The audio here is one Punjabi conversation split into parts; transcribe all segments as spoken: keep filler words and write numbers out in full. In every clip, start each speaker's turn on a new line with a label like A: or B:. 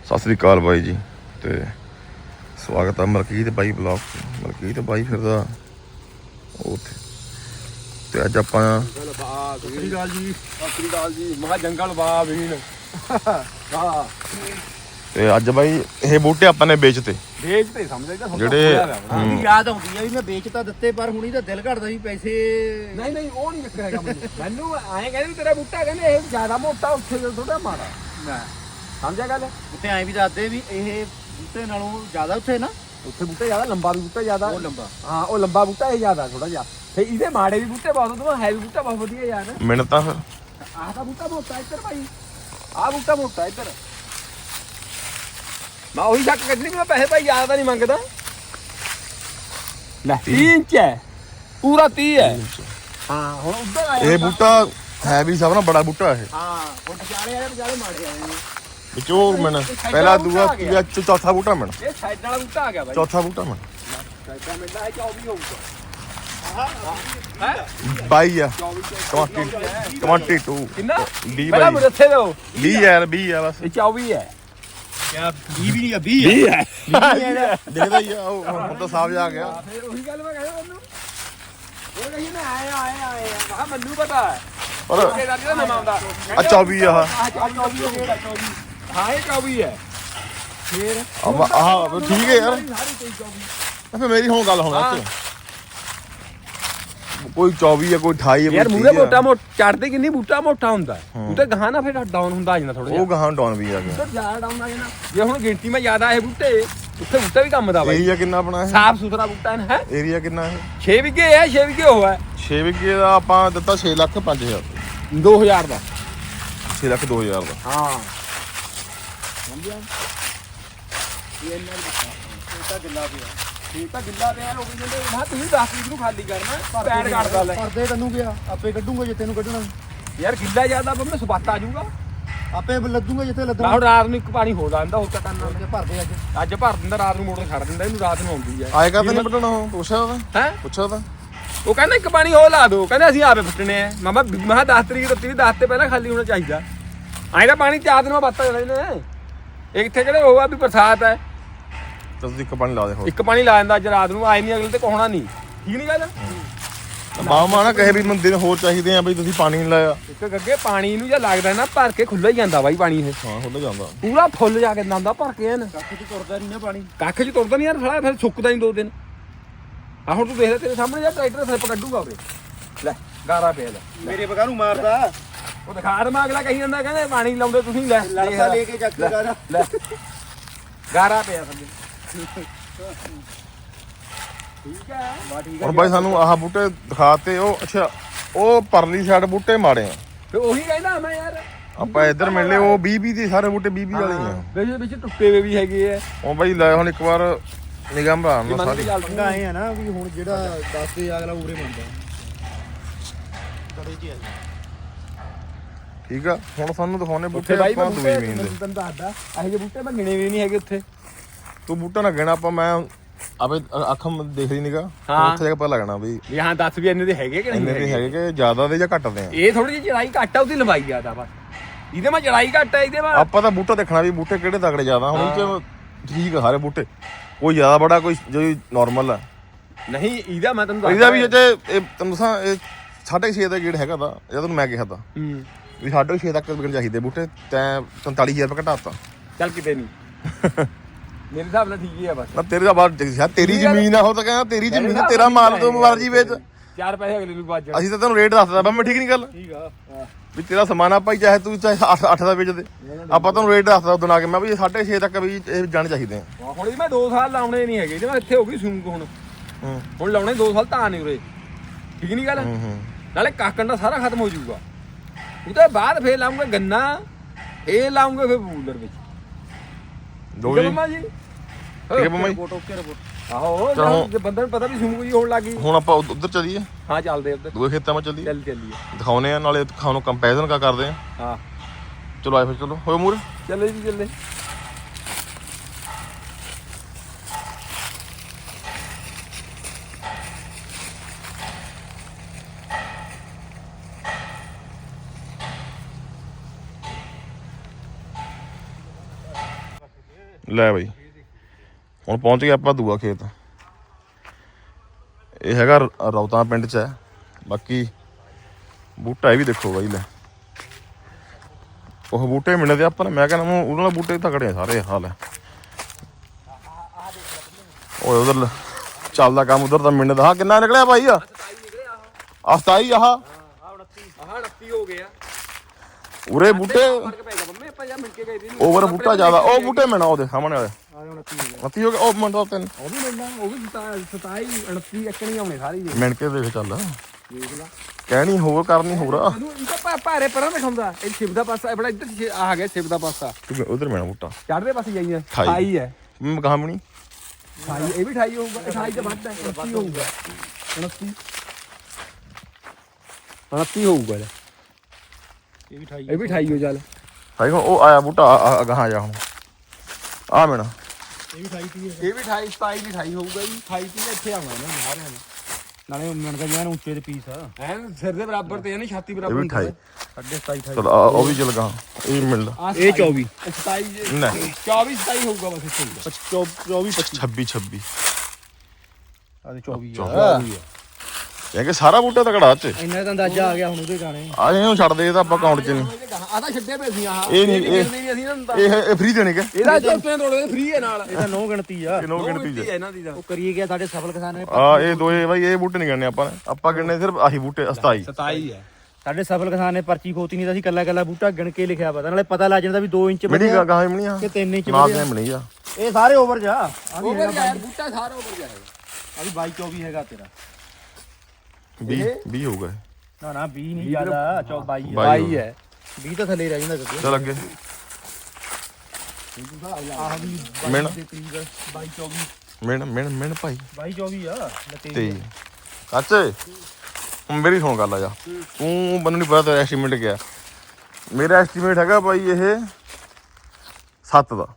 A: ਸਤਿ ਸ੍ਰੀ ਅਕਾਲ ਬਾਈ ਜੀ ਤੇ ਸਵਾਗਤ ਹੈ ਮਲਕੀਤ ਬਾਈ ਬਲੌਗ ਮਲਕੀਤ ਬਾਈ ਫਿਰਦਾ ਉੱਥੇ ਤੇ ਅੱਜ ਆਪਾਂ
B: ਸਤਿ ਸ੍ਰੀ ਅਕਾਲ ਜੀ ਸਤਿ ਸ੍ਰੀ ਅਕਾਲ ਜੀ ਮਹਾ ਜੰਗਲ ਬਾਹ ਵੀਨ ਹਾਂ
A: ਤੇ ਅੱਜ ਬਾਈ ਇਹ ਬੂਟੇ ਆਪਾਂ ਨੇ ਵੇਚਤੇ
B: ਵੇਚ ਤੇ ਸਮਝਦੇ ਤਾਂ
A: ਜਿਹੜੇ
C: ਮੈਨੂੰ ਯਾਦ ਆਉਂਦੀ ਆ ਵੀ ਮੈਂ ਵੇਚ ਤਾਂ ਦਿੱਤੇ ਪਰ ਹੁਣੀ ਤਾਂ ਦਿਲ ਘੜਦਾ ਵੀ ਪੈਸੇ
B: ਨਹੀਂ ਨਹੀਂ ਉਹ ਨਹੀਂ ਚੱਕਰ ਹੈਗਾ ਮੈਨੂੰ ਮੈਨੂੰ ਐਂ ਕਹਿੰਦੇ ਵੀ ਤੇਰਾ ਬੂਟਾ ਕਹਿੰਦੇ ਇਹ ਜ਼ਿਆਦਾ ਮੋਟਾ ਉੱਥੇ ਥੋੜਾ ਮਾੜਾ ਮੈਂ ਸਮਝਿਆ ਗੱਲ
C: ਉੱਤੇ ਐਂ ਵੀ ਦੱਸਦੇ ਵੀ ਇਹ ਬੂਟੇ ਨਾਲੋਂ ਜ਼ਿਆਦਾ ਉੱਥੇ ਨਾ
B: ਉੱਥੇ ਬੂਟਾ ਜ਼ਿਆਦਾ ਲੰਬਾ ਵੀ ਬੂਟਾ ਜ਼ਿਆਦਾ
C: ਉਹ ਲੰਬਾ
B: ਹਾਂ ਉਹ ਲੰਬਾ ਬੂਟਾ ਇਹ ਜ਼ਿਆਦਾ ਥੋੜਾ ਜਿਹਾ ਤੇ ਇਹਦੇ ਮਾੜੇ ਵੀ ਬੂਟੇ ਬਹੁਤ ਤੋਂ ਹੈ ਵੀ ਬੂਟਾ ਬਹੁਤ ਵਧੀਆ ਯਾਰ
A: ਮਿਹਨਤਾਂ ਫਿਰ
B: ਆਹ ਤਾਂ ਬੂਟਾ ਮੋਟਾ ਇੱਧਰ ਭਾਈ ਆਹ ਬੂਟਾ ਮੋਟਾ ਇੱਧਰ ਮੈਂ ਉਹੀ ਸ਼ੱਕ ਕੱਢਣੀ ਮੈਂ ਪੈਸੇ ਭਾਈ ਜ਼ਿਆਦਾ ਨਹੀਂ ਮੰਗਦਾ ਲੈ ਤੀਹ ਇੰਚ ਹੈ ਪੂਰਾ ਤੀਹ ਹੈ ਹਾਂ ਹੁਣ ਉੱਧਰ ਆਇਆ
A: ਇਹ ਬੂਟਾ ਹੈ ਵੀ ਸਭ ਨਾਲ ਬੜਾ ਬੂਟਾ ਇਹ
C: ਹਾਂ ਹੁਣ ਵਿਚਾਲੇ ਵਾਲੇ ਵਿਚਾਲੇ ਮਾੜੇ ਆਏ ਨੇ
A: ਵਿੱਚੋਂ ਮਿਣ ਪਹਿਲਾ ਦੂਆ ਤੀਆ ਚੌਥਾ ਬੂਟਾ ਮਿਣ
B: ਇਹ ਸਾਈਡ ਵਾਲਾ ਬੂਟਾ ਆ ਗਿਆ ਭਾਈ
A: ਚੌਥਾ ਬੂਟਾ ਮਿਣ
B: ਸਾਈਡ ਮਿਲਦਾ ਹੈ ਚੌਵੀ ਹੋਊਗਾ ਹੈ
A: ਬਾਈ ਆ
B: ਚੌਵੀ
A: ਬਾਈ
B: ਕਿੰਨਾ
A: ਵੀਹ
B: ਪਹਿਲਾਂ
A: ਬਾਈ
B: ਮੁਰੱਥੇ ਲਓ
A: ਵੀਹ ਯਾਰ ਵੀਹ ਆ ਬਸ
B: ਇਹ ਚੌਵੀ ਹੈ
C: ਕਿਆ ਵੀਹ ਵੀ ਨਹੀਂ ਆ ਵੀਹ
B: ਵੀਹ ਹੈ
A: ਦੇਖਦਾ ਹੀ ਆ ਉਹ ਹੁਣ ਤਾਂ ਸਾਫ ਜਾ ਗਿਆ
B: ਫਿਰ ਉਹੀ ਗੱਲ ਮੈਂ ਕਹਿੰਦਾ ਉਹਨੂੰ ਉਹ ਕਹੀ ਮੈਂ ਆਇਆ ਆਇਆ ਆਇਆ ਮੈਂ ਮੈਨੂੰ ਪਤਾ ਹੈ
A: ਪਰ
B: ਇਹ ਦਾ ਨਵਾਂ ਆਉਂਦਾ
A: ਆ ਚੌਵੀ ਆ
B: ਆਹ ਚੌਵੀ ਹੋ ਗਿਆ ਚੌਵੀ ਹਾਂ ਇਹ ਚੌਵੀ ਹੈ ਫੇਰ
A: ਆਹ ਆਹ ਠੀਕ ਹੈ ਯਾਰ
B: ਸਾਰੀ ਤੇਈ ਚੌਵੀ
A: ਫਿਰ ਮੇਰੀ ਹੁਣ ਗੱਲ ਹੋਣਾ ਇੱਥੇ ਕੋਈ ਚੌਵੀ ਆ ਕੋਈ ਅਠਾਈ ਆ
B: ਯਾਰ
A: ਕੋਈ
B: ਮੂਰੇ
A: ਤੀਹ ਆ।
B: ਮੋਟਾ ਮੋਟਾ ਚੜਦੇ ਕਿੰਨੀ ਬੂਟਾ ਮੋਟਾ ਹੁੰਦਾ ਬੂਟਾ ਗਾਹਾਂ ਨਾ ਫਿਰ ਡਾਊਨ ਹੁੰਦਾ ਆ ਜਾਂਦਾ ਥੋੜਾ ਜਿਹਾ
A: ਉਹ ਗਾਹਾਂ ਡਾਊਨ ਵੀ ਆ ਗਿਆ
B: ਬੂਟਾ ਜ਼ਿਆਦਾ ਡਾਊਨ ਆ ਜਾਣਾ ਜੇ ਹੁਣ ਗਿਣਤੀ ਮੈਂ ਜ਼ਿਆਦਾ ਇਹ ਬੂਟੇ ਉੱਥੇ ਬੂਟਾ ਵੀ ਕੰਮ ਦਾ ਬਾਈ
A: ਏਰੀਆ ਕਿੰਨਾ ਆਪਣਾ ਇਹ
B: ਸਾਫ ਸੁਥਰਾ ਬੂਟਾ ਹੈ
A: ਏਰੀਆ ਕਿੰਨਾ ਇਹ
B: ਛੇ ਵਿਗੇ ਹੈ ਛੇ ਵਿਗੇ ਹੋਇਆ
A: ਛੇ ਵਿਗੇ ਦਾ ਆਪਾਂ ਦਿੱਤਾ ਛੇ ਲੱਖ ਪੰਜ ਹਜ਼ਾਰ
B: ਦੋ ਹਜ਼ਾਰ ਦਾ
A: ਛੇ ਲੱਖ ਦੋ ਹਜ਼ਾਰ ਦਾ
B: ਹਾਂ
C: ਸਮਝਿਆ ਇਹ ਇਹਨਾਂ ਦਾ ਤਾਂ ਗਿੱਲਾ ਪਿਆ
B: ਠੀਕ ਤਾਂ ਗਿੱਲਾ ਪਿਆ ਲੋਕ ਕਹਿੰਦੇ ਮੈਂ ਤੁਸੀਂ ਦਸ ਵੀਹ ਨੂੰ ਖਾਲੀ ਕਰਨਾ ਪੈਰ ਕੱਢਦਾ ਲੈ
C: ਪਰਦੇ ਤੈਨੂੰ ਗਿਆ ਆਪੇ ਕੱਢੂਗਾ ਜੇ ਤੈਨੂੰ ਕੱਢਣਾ
B: ਯਾਰ ਗਿੱਲਾ ਜ਼ਿਆਦਾ ਬੰਮੇ ਸਵਾਤਾ ਆ ਜਾਊਗਾ
C: ਆਪੇ ਲੱਦੂਗਾ ਜਿੱਥੇ
B: ਮੈਂ
C: ਲੱਦਣਾ
B: ਹੁਣ ਰਾਤ ਨੂੰ ਇੱਕ ਪਾਣੀ ਹੋ ਜਾਂਦਾ ਹੋਰ ਤਾਂ ਕਰਨਾ
C: ਜੇ ਭਰਦੇ ਅੱਜ
B: ਅੱਜ ਭਰ ਦਿੰਦਾ ਰਾਤ ਨੂੰ ਮੋਟਰ ਛੱਡ ਦਿੰਦਾ ਇਹਨੂੰ ਰਾਤ ਨੂੰ ਆਉਂਦੀ ਹੈ
A: ਆਏਗਾ ਤਾਂ ਨਹੀਂ ਪਟਣਾ ਉਹ ਪੁੱਛਿਆ ਉਹਦਾ
B: ਹੈ
A: ਪੁੱਛਿਆ ਉਹਦਾ
B: ਉਹ ਕਹਿੰਦਾ ਇੱਕ ਪਾਣੀ ਹੋਰ ਲਾ ਦਿਓ ਕਹਿੰਦੇ ਅਸੀਂ ਆਪੇ ਫੁੱਟਣੇ ਆ ਮਾਮਾ ਮੈਂ ਦਸ ਤਰੀਕ ਦਿੱਤੀ ਦਸ ਤੇ ਪਹਿਲਾਂ ਖਾਲੀ ਹੋਣਾ ਚਾਹੀਦਾ ਐਂ ਤਾਂ ਪਾਣੀ ਚਾਰ ਦਿਨ ਬਾਅਦ ਬੱਤ ਜਾਂਦੇ ਨੇ ਇਹ ਕਿੱਥੇ ਕਿਹੜੇ ਉਹ ਆ ਵੀ ਬਰਸਾਤ ਹੈ
A: ਤਾਂ ਤੁਸੀਂ ਇੱਕ ਪਾਣੀ ਲਾ ਦੇ ਹੋਰ
B: ਇੱਕ ਪਾਣੀ ਲਾ ਦਿੰਦਾ ਅੱਜ ਰਾਤ ਨੂੰ ਆਏ ਨਹੀਂ ਅਗਲੇ ਤੇ ਕੋਹਣਾ ਨਹੀਂ ਠੀਕ ਨਹੀਂ ਗੱਲ
A: ਮਾਮਾ ਨਾ ਕਹੇ ਵੀ ਮੈਨੂੰ ਦਿਨ ਹੋਰ ਚਾਹੀਦੇ ਆ ਬਈ ਤੁਸੀਂ ਪਾਣੀ ਨਹੀਂ ਲਾਇਆ
B: ਇੱਕ ਗੱਗੇ ਪਾਣੀ ਨੂੰ ਜੇ ਲੱਗਦਾ ਨਾ ਭਰ ਕੇ ਖੁੱਲ੍ਹਾ ਹੀ ਜਾਂਦਾ ਬਾਈ ਪਾਣੀ ਇਹ
A: ਹਾਂ ਹੁੰਦਾ ਜਾਂਦਾ
B: ਪੂਰਾ ਫੁੱਲ ਜਾ ਕੇ ਜਾਂਦਾ ਭਰ ਕੇ ਐਨ
C: ਕੱਖ ਚ ਤੁਰਦਾ ਨਹੀਂ ਨਾ ਪਾਣੀ
B: ਕੱਖ ਚ ਤੁਰਦਾ ਨਹੀਂ ਯਾਰ ਸਾਲਾ ਫਿਰ ਸੁੱਕਦਾ ਨਹੀਂ ਦੋ ਦਿਨ ਆ ਹੁਣ ਤੂੰ ਦੇਖ ਲੈ ਤੇਰੇ ਸਾਹਮਣੇ ਯਾਰ ਟਰੈਕਟਰ ਸਲਿੱਪ ਕੱਢੂਗਾ ਉਰੇ ਲੈ ਗਾਰਾ ਪਿਆ ਲੈ
C: ਮੇਰੇ ਬਗਾ ਨੂੰ ਮਾਰਦਾ
B: ਉਹ ਦਿਖਾ ਦੇ ਅਗਲਾ ਕਹੀ ਜਾਂਦਾ ਕਹਿੰਦੇ ਪਾਣੀ ਲਾਉਂਦੇ ਤੁਸੀਂ ਲੈ
C: ਲੜਦਾ ਲੈ ਕੇ ਚੱਕ ਕੇ ਗਾਰਾ
B: ਲੈ ਗਾਰਾ ਪਿਆ ਥੱਲੇ ਠੀਕ ਹੈ ਬਾ ਠੀਕ
A: ਹੁਣ ਬਾਈ ਸਾਨੂੰ ਆਹ ਬੂਟੇ ਦਿਖਾਤੇ ਉਹ ਅੱਛਾ ਉਹ ਪਰਲੀ ਸਾਈਡ ਬੂਟੇ ਮਾੜੇ ਆ
B: ਤੇ ਉਹੀ ਕਹਿੰਦਾ ਮੈਂ ਯਾਰ
A: ਆਪਾਂ ਇੱਧਰ ਮਿਲ ਲਏ ਉਹ ਵੀਹ ਵੀਹ ਦੇ ਸਾਰੇ ਬੂਟੇ ਵੀਹ ਵੀਹ ਵਾਲੇ ਹੀ ਆ
B: ਵਿੱਚ ਵਿੱਚ ਟੁੱਟੇ ਹੋਏ ਵੀ ਹੈਗੇ ਆ
A: ਉਹ ਬਾਈ ਲੈ ਹੁਣ ਇੱਕ ਵਾਰ ਨਿਗਾਹ ਮਾਰਨ ਨਾਲ ਸਾਰੀ
C: ਪੰਗਾ ਆਏ ਆ ਨਾ ਵੀ ਹੁਣ ਜਿਹੜਾ ਦੱਸਦੇ ਅਗਲਾ ਉਰੇ ਮੰਨਦਾ ਕੜੇ ਚ ਆ
A: ਠੀਕ ਆ ਹੁਣ ਸਾਨੂੰ ਦਿਖਾਉਣੇ ਬੂਟੇ
B: ਉੱਥੇ ਬਾਈ
A: ਆਪਾਂ
B: ਮੈਂ
A: ਦੂਈ
B: ਬੂਟੇ
A: ਮੀਨ ਦੇ
B: ਤੈਨੂੰ ਦੱਸਦਾ ਇਹੋ ਜਿਹੇ ਬੂਟੇ ਮੈਂ ਗਿਣੇ ਵੀ ਨਹੀਂ ਹੈਗੇ ਉੱਥੇ
A: ਤੂੰ ਬੂਟਾ ਨਾ ਗਿਣਾ ਆਪਾਂ ਮੈਂ ਆਪੇ ਅੱਖਾਂ ਦੇਖ ਲਈ ਨਿਗਾ
B: ਹਾਂ।
A: ਉੱਥੇ ਜਾ ਕੇ ਪਤਾ ਲੱਗਣਾ ਵੀ
B: ਵੀ ਹਾਂ ਦੱਸ ਵੀ ਇੰਨੇ ਦੇ ਹੈਗੇ ਕਿ ਨਹੀਂ
A: ਇੰਨੇ ਦੇ ਹੈਗੇ ਕਿ ਜ਼ਿਆਦਾ ਦੇ ਜਾਂ ਘੱਟ ਦੇ ਆ
B: ਇਹ ਥੋੜੀ ਜਿਹੀ ਚੜਾਈ ਘੱਟ ਆ ਉਹਦੀ ਲੰਬਾਈ ਜ਼ਿਆਦਾ ਬਸ ਇਹਦੇ ਮੈਂ ਚੜਾਈ ਘੱਟ ਆ ਇਹਦੇ ਮੈਂ
A: ਆਪਾਂ ਤਾਂ ਬੂਟਾ ਦੇਖਣਾ ਵੀ ਬੂਟੇ ਕਿਹੜੇ ਤਗੜੇ ਜ਼ਿਆਦਾ ਹੁਣ ਇਹ 'ਚ ਠੀਕ ਆ ਸਾਰੇ ਬੂਟੇ ਕੋਈ ਜ਼ਿਆਦਾ ਬੜਾ ਕੋਈ ਜੋ ਨਾਰਮਲ ਆ
B: ਨਹੀਂ ਇਹਦਾ ਮੈਂ ਤੈਨੂੰ
A: ਇਹਦਾ ਵੀ ਅਜੇ ਇਹ ਤੈਨੂੰ ਦੱਸਾਂ ਇਹ ਸਾਢੇ ਛੇ ਦਾ ਗੇੜ ਹੈਗਾ ਦਾ ਇਹ ਤੁਹਾਨੂੰ ਮੈਂ ਕਿਹਾ ਤਾਂ
B: ਹੂੰ
A: ਵੀ ਸਾਢੇ ਛੇ ਤੱਕ ਵਿਕਣ ਚਾਹੀਦੇ ਬੂਟੇ ਤੈਂ ਪੰਤਾਲੀ ਹਜ਼ਾਰ ਰੁਪਏ ਘਟਾਤਾ
B: ਚੱਲ ਕਿਤੇ ਨਹੀਂ ਮੇਰੇ ਹਿਸਾਬ ਨਾਲ ਠੀਕ ਹੀ ਆ ਬਸ
A: ਨਾ ਤੇਰੇ ਦਾ ਬਾਅਦ ਯਾਰ ਤੇਰੀ ਜ਼ਮੀਨ ਆ ਉਹ ਤਾਂ ਕਹਿੰਦਾ ਤੇਰੀ ਜ਼ਮੀਨ ਆ, ਤੇਰਾ ਮਾਲ ਤੋਂ ਮਰਜੀ ਵੇਚ
B: ਚਾਰ ਪੈਸੇ ਅਗਲੇ ਨੂੰ ਬਾਜ ਜਾਣ
A: ਅਸੀਂ ਤਾਂ ਤੈਨੂੰ ਰੇਟ ਦੱਸਦਾ ਬੰਮੇ ਠੀਕ ਨਹੀਂ ਗੱਲ
B: ਠੀਕ ਆ
A: ਵੀ ਤੇਰਾ ਸਮਾਨ ਆ ਭਾਈ ਚਾਹੇ ਤੂੰ ਚਾਹੇ ਅੱਠ ਦਾ ਵੇਚ ਦੇ ਆਪਾਂ ਤੁਹਾਨੂੰ ਰੇਟ ਦੱਸਦਾ ਉਦੋਂ ਆ ਕੇ ਮੈਂ ਵੀ ਸਾਢੇ ਛੇ ਤੱਕ ਵੀ ਇਹ ਜਾਣੇ ਚਾਹੀਦੇ ਆ
B: ਹੁਣ ਇਹ ਮੈਂ ਦੋ ਸਾਲ ਲਾਉਣੇ ਨਹੀਂ ਹੈਗੇ ਜੇ ਮੈਂ ਇੱਥੇ ਹੋ ਗਈ ਸੂਕ ਹੁਣ
A: ਹੂੰ
B: ਹੁਣ ਲਾਉਣੇ ਦੋ ਸਾਲ ਤਾਂ ਨਹੀਂ ਉਰੇ ਠੀਕ ਨਹੀਂ ਗੱਲ
A: ਹੂੰ ਹੂੰ
B: ਨਾਲੇ ਕਾਕਣ ਦਾ ਸਾਰਾ ਖਤਮ ਹੋ ਜਾਊਗਾ ਉਹਦੇ ਬਾਅਦ ਫੇਰ ਲਾਉਂਗੇ ਗੰਨਾ ਇਹ ਲਾਉਂਗੇ ਫੇਰ ਬੂਲਰ ਵਿੱਚ
A: ਦੋ
B: ਠੀਕ ਹੈ
A: ਜੀ
B: ਮੰਮਾ ਜੀ
A: ਠੀਕ ਹੈ ਮੰਮਾ ਜੀ
C: ਰਿਪੋਰਟ ਓਕੇ ਰਿਪੋਰਟ
B: ਆਹੋ
A: ਚਲੋ।
B: ਜੇ ਬੰਦੇ ਨੂੰ ਪਤਾ ਵੀ ਸੂਕ ਜੀ ਹੋਣ ਲੱਗੀ
A: ਹੁਣ ਆਪਾਂ ਉਧ- ਉੱਧਰ ਚੱਲੀਏ
B: ਹਾਂ ਚੱਲਦੇ ਉੱਧਰ
A: ਦੂਏ ਖੇਤਾਂ 'ਚ ਚੱਲੀਏ
B: ਚੱਲ ਚੱਲੀਏ
A: ਦਿਖਾਉਨੇ ਆ ਨਾਲੇ ਖਾਣੋਂ ਕੰਪੈਰੀਜ਼ਨ ਕਾ ਕਰਦੇ ਆ
B: ਹਾਂ
A: ਚਲੋ ਆਏ ਫਿਰ ਚਲੋ ਹੋਏ ਮੂਰ
B: ਚੱਲੇ ਜੀ ਚੱਲੇ
A: ਲੈ ਬਾਈ ਹੁਣ ਪਹੁੰਚ ਗਏ ਆਪਾਂ ਦੂਆ ਖੇਤ। ਇਹ ਹੈਗਾ ਰ- ਰੌਤਾਂ ਪਿੰਡ 'ਚ ਹੈ। ਬਾਕੀ ਬੂਟਾ ਇਹ ਵੀ ਦੇਖੋ ਬਾਈ ਲੈ, ਉਹ ਬੂਟੇ ਮਿਲਦੇ ਆਪਾਂ ਨੇ, ਮੈਂ ਕਹਿੰਦਾ ਉਹਨਾਂ ਨਾਲ ਬੂਟੇ ਤਕੜੇ ਆ ਸਾਰੇ ਹਾਲ ਹੈ। ਓਏ ਉਧਰ ਚੱਲਦਾ ਕੰਮ ਉਧਰ ਤਾਂ ਮਿੰਟ ਦਾ। ਹਾਂ ਕਿੰਨਾ ਨਿਕਲਿਆ ਭਾਈ ਆ ਆ ਸਤਾਈ ਆਹ
B: ਆਹ ਉਨੱਤੀ ਹੋ ਗਿਆ
A: ਉਰੇ ਬੂਟੇ
B: ਫਰਕ ਪੈ ਗਿਆ ਮੰਮੀ ਆਪਾਂ ਜਾਂ ਮਿਲ ਕੇ ਗਏ ਸੀ
A: ਓਵਰ ਬੂਟਾ ਜ਼ਿਆਦਾ। ਉਹ ਬੂਟੇ ਮਿਲਣਾ ਉਹਦੇ ਸਾਹਮਣੇ ਵਾਲੇ ਉਨੱਤੀ ਹੋ ਗਿਆ। ਉਹ ਮਿੰਟ ਦਾ ਤਿੰਨ
B: ਉਹ ਵੀ ਮਿਲਣਾ, ਉਹ ਵੀ ਸਤਾਈ ਉਨੱਤੀ ਇੱਕਣੀ ਆਉਣੇ ਸਾਰੇ ਹੀ
A: ਮਿੰਟ ਕੇ ਦੇਖ ਚੱਲ
B: ਦੇਖ ਲਾ।
A: ਕਹਿਣੀ ਹੋਰ ਕਰਨੀ ਹੋਰ ਆ।
B: ਇਹਨੂੰ ਇਹ ਤਾਂ ਭਾਰੇ ਪਰਾਂ ਦਿਖਾਉਂਦਾ। ਇਹ ਸ਼ਿਵ ਦਾ ਪਾਸਾ ਬੜਾ ਇੱਧਰ ਸ਼ਿ- ਆ ਗਿਆ ਸ਼ਿਵ ਦਾ ਪਾਸਾ
A: ਉਧਰ ਮਿਲਣਾ ਬੂਟਾ
B: ਚੜ੍ਹਦੇ ਪਾਸੇ ਜਾਈਏ
A: ਅਠਾਈ।
B: ਅਠਾਈ ਹੈ
A: ਮੈਂ ਕਹਾਂ ਬਣੀ
B: ਅਠਾਈ ਇਹ ਵੀ ਅਠਾਈ ਹੋਊਗਾ। ਅਠਾਈ ਤੋਂ ਵੱਧ ਹੈ ਉਨੱਤੀ ਹੋਊਗਾ। ਉਨੱਤੀ ਉਨੱਤੀ ਹੋਊਗਾ ਲੈ।
C: ਇਹ ਵੀ ਅਠਾਈ
B: ਇਹ ਵੀ ਅਠਾਈ ਹੋ ਚੱਲ।
A: ਭਾਈ ਉਹ ਆਇਆ ਬੂਟਾ ਅਗਾਹਾਂ ਜਾ ਹੁਣ ਆ ਮਿਲਣਾ।
C: ਇਹ ਵੀ ਅਠਾਈ ਤੀਹ
B: ਇਹ ਵੀ ਅਠਾਈ ਸਤਾਈ ਵੀ ਅਠਾਈ ਹੋਊਗਾ ਜੀ। ਅਠਾਈ ਤੀਹ ਇੱਥੇ ਆਉਣਾ ਇਹਨਾਂ ਨੇ ਸਾਰਿਆਂ ਨੇ।
C: ਨਾਲੇ ਮਿੰਟ ਦਾ ਉੱਚੇ ਦੇ ਪੀਸ ਆ
B: ਐਨ ਸਿਰ ਦੇ ਬਰਾਬਰ ਤੇ ਇਹਨੇ ਛਾਤੀ
A: ਇਹ
B: ਬਰਾਬਰ
A: ਵੀ ਅਠਾਈ।
C: ਸਾਢੇ ਸਤਾਈ ਅਠਾਈ
A: ਚਲ ਉਹ ਵੀ ਚਲ ਗਾ ਇਹ ਮਿਲਦਾ
C: ਇਹ ਚੌਵੀ
B: ਸਤਾਈ
A: ਨਹੀਂ
B: ਚੌਵੀ ਸਤਾਈ ਹੋਊਗਾ ਬਸ ਇੱਥੇ।
C: ਚੌਵੀ ਪੱਚੀ
A: ਛੱਬੀ ਛੱਬੀ
C: ਆ ਚੌਵੀ
A: ਚੌਵੀ। ਇਹ ਕਿ ਸਾਰਾ ਬੂਟਾ ਤਕੜਾ ਚ
C: ਇੰਨਾ ਤਾਂ ਅੰਦਾਜ਼ਾ ਆ ਗਿਆ ਹੁਣ ਉਹਦੇ ਗਾਣੇ।
A: ਆ ਇਹਨੂੰ ਛੱਡ ਦੇ ਇਹ ਤਾਂ ਆਪਾਂ ਅਕਾਊਂਟ 'ਚ ਨਹੀਂ।
B: ਆ ਤਾਂ ਛੱਡੇ ਪਏ ਸੀ ਆਹ
A: ਇਹ ਨਹੀਂ ਇਹ
B: ਨਹੀਂ ਅਸੀਂ ਇਹਨਾਂ ਨੂੰ ਤਾਂ
A: ਇਹ ਇਹ ਫ੍ਰੀ ਦੇਣੇ ਕਿ
B: ਇਹਦਾ ਜੁੱਤਿਆਂ ਤੋੜਦੇ ਫ੍ਰੀ ਹੈ ਨਾਲ।
C: ਇਹ ਤਾਂ ਨੌ ਗਿਣਤੀ ਆ
A: ਕਿਨੋ ਗਿਣਤੀ
B: ਗਿਣਤੀ
A: ਚ
B: ਹੈ ਇਹਨਾਂ ਦੀ ਤਾਂ।
C: ਉਹ ਕਰੀਏ ਗਿਆ ਸਾਡੇ ਸਫਲ ਕਿਸਾਨ ਨੇ।
A: ਆ ਇਹ ਦੋਏ ਬਾਈ ਇਹ ਬੂਟੇ ਨਹੀਂ ਗਣਨੇ ਆਪਾਂ ਨੇ। ਆਪਾਂ ਗਿਣਨੇ ਸਿਰਫ ਆਹੀ ਬੂਟੇ ਸਤਾਈ।
B: ਸਤਾਈ ਹੈ
C: ਸਾਡੇ ਸਫਲ ਕਿਸਾਨ ਨੇ ਪਰਚੀ ਖੋਤੀ ਨਹੀਂ ਤਾਂ ਅਸੀਂ ਕੱਲਾ ਕੱਲਾ ਬੂਟਾ ਗਿਣ ਕੇ ਲਿਖਿਆ ਪਤਾ ਨਾਲੇ ਪਤਾ ਲੱਗ ਜਾਂਦਾ ਵੀ ਦੋ ਇੰਚ
A: ਮਿਣੀ
C: ਵਧਿਆ
A: ਗਾਹਾਂ ਮਿਣੀ ਆ
C: ਕਿ ਤਿੰਨ ਇੰਚ
A: ਨਾ
C: ਵਧਿਆ।
A: ਤੇ ਮਿਣੀ ਆ
C: ਇਹ ਸਾਰੇ ਓਵਰ ਜਾ ਆ ਵੀ
B: ਓਵਰ
C: ਹੈਗਾ
B: ਜਾਏ ਬੂਟਾ ਸਾਰਾ ਓਵਰ ਜਾਏਗਾ।
C: ਆ ਵੀ ਬਾਈ ਚੌਵੀ ਹੈਗਾ ਤੇਰਾ।
A: ਵੀਹ ਵੀਹ ਹੋਊਗਾ ਇਹ।
C: ਨਾ ਨਾ ਵੀਹ ਨਹੀਂ ਜ਼ਿਆਦਾ ਚੌ ਬਾਈ ਆ।
A: ਬਾਈ
B: ਬਾਈ ਹੈ
C: ਵੀਹ ਤਾਂ ਥੱਲੇ ਰਹਿ ਜਾਂਦਾ ਕਿਤੇ।
A: ਚੱਲ ਅੱਗੇ
C: ਆਹ ਵੀ
A: ਮਿਣ
C: ਦੇ ਕਰੀਬ ਬਾਈ ਚੌਵੀ
A: ਮਿਣ ਮਿਣ ਮਿਣ ਭਾਈ
C: ਬਾਈ ਚੌਵੀ ਆ ਲੱਤੇ
A: ਤੇ ਕਾਚੇ ਹੁਣ ਮੇਰੀ ਸੁਣ ਗੱਲ ਆ ਜਾ ਤੂੰ ਮੈਨੂੰ ਨਹੀਂ ਪਤਾ ਤੇਰਾ ਐਸਟੀਮੇਟ ਕਿਆ। ਮੇਰਾ ਐਸਟੀਮੇਟ ਹੈਗਾ ਭਾਈ ਇਹ ਸੱਤ ਦਾ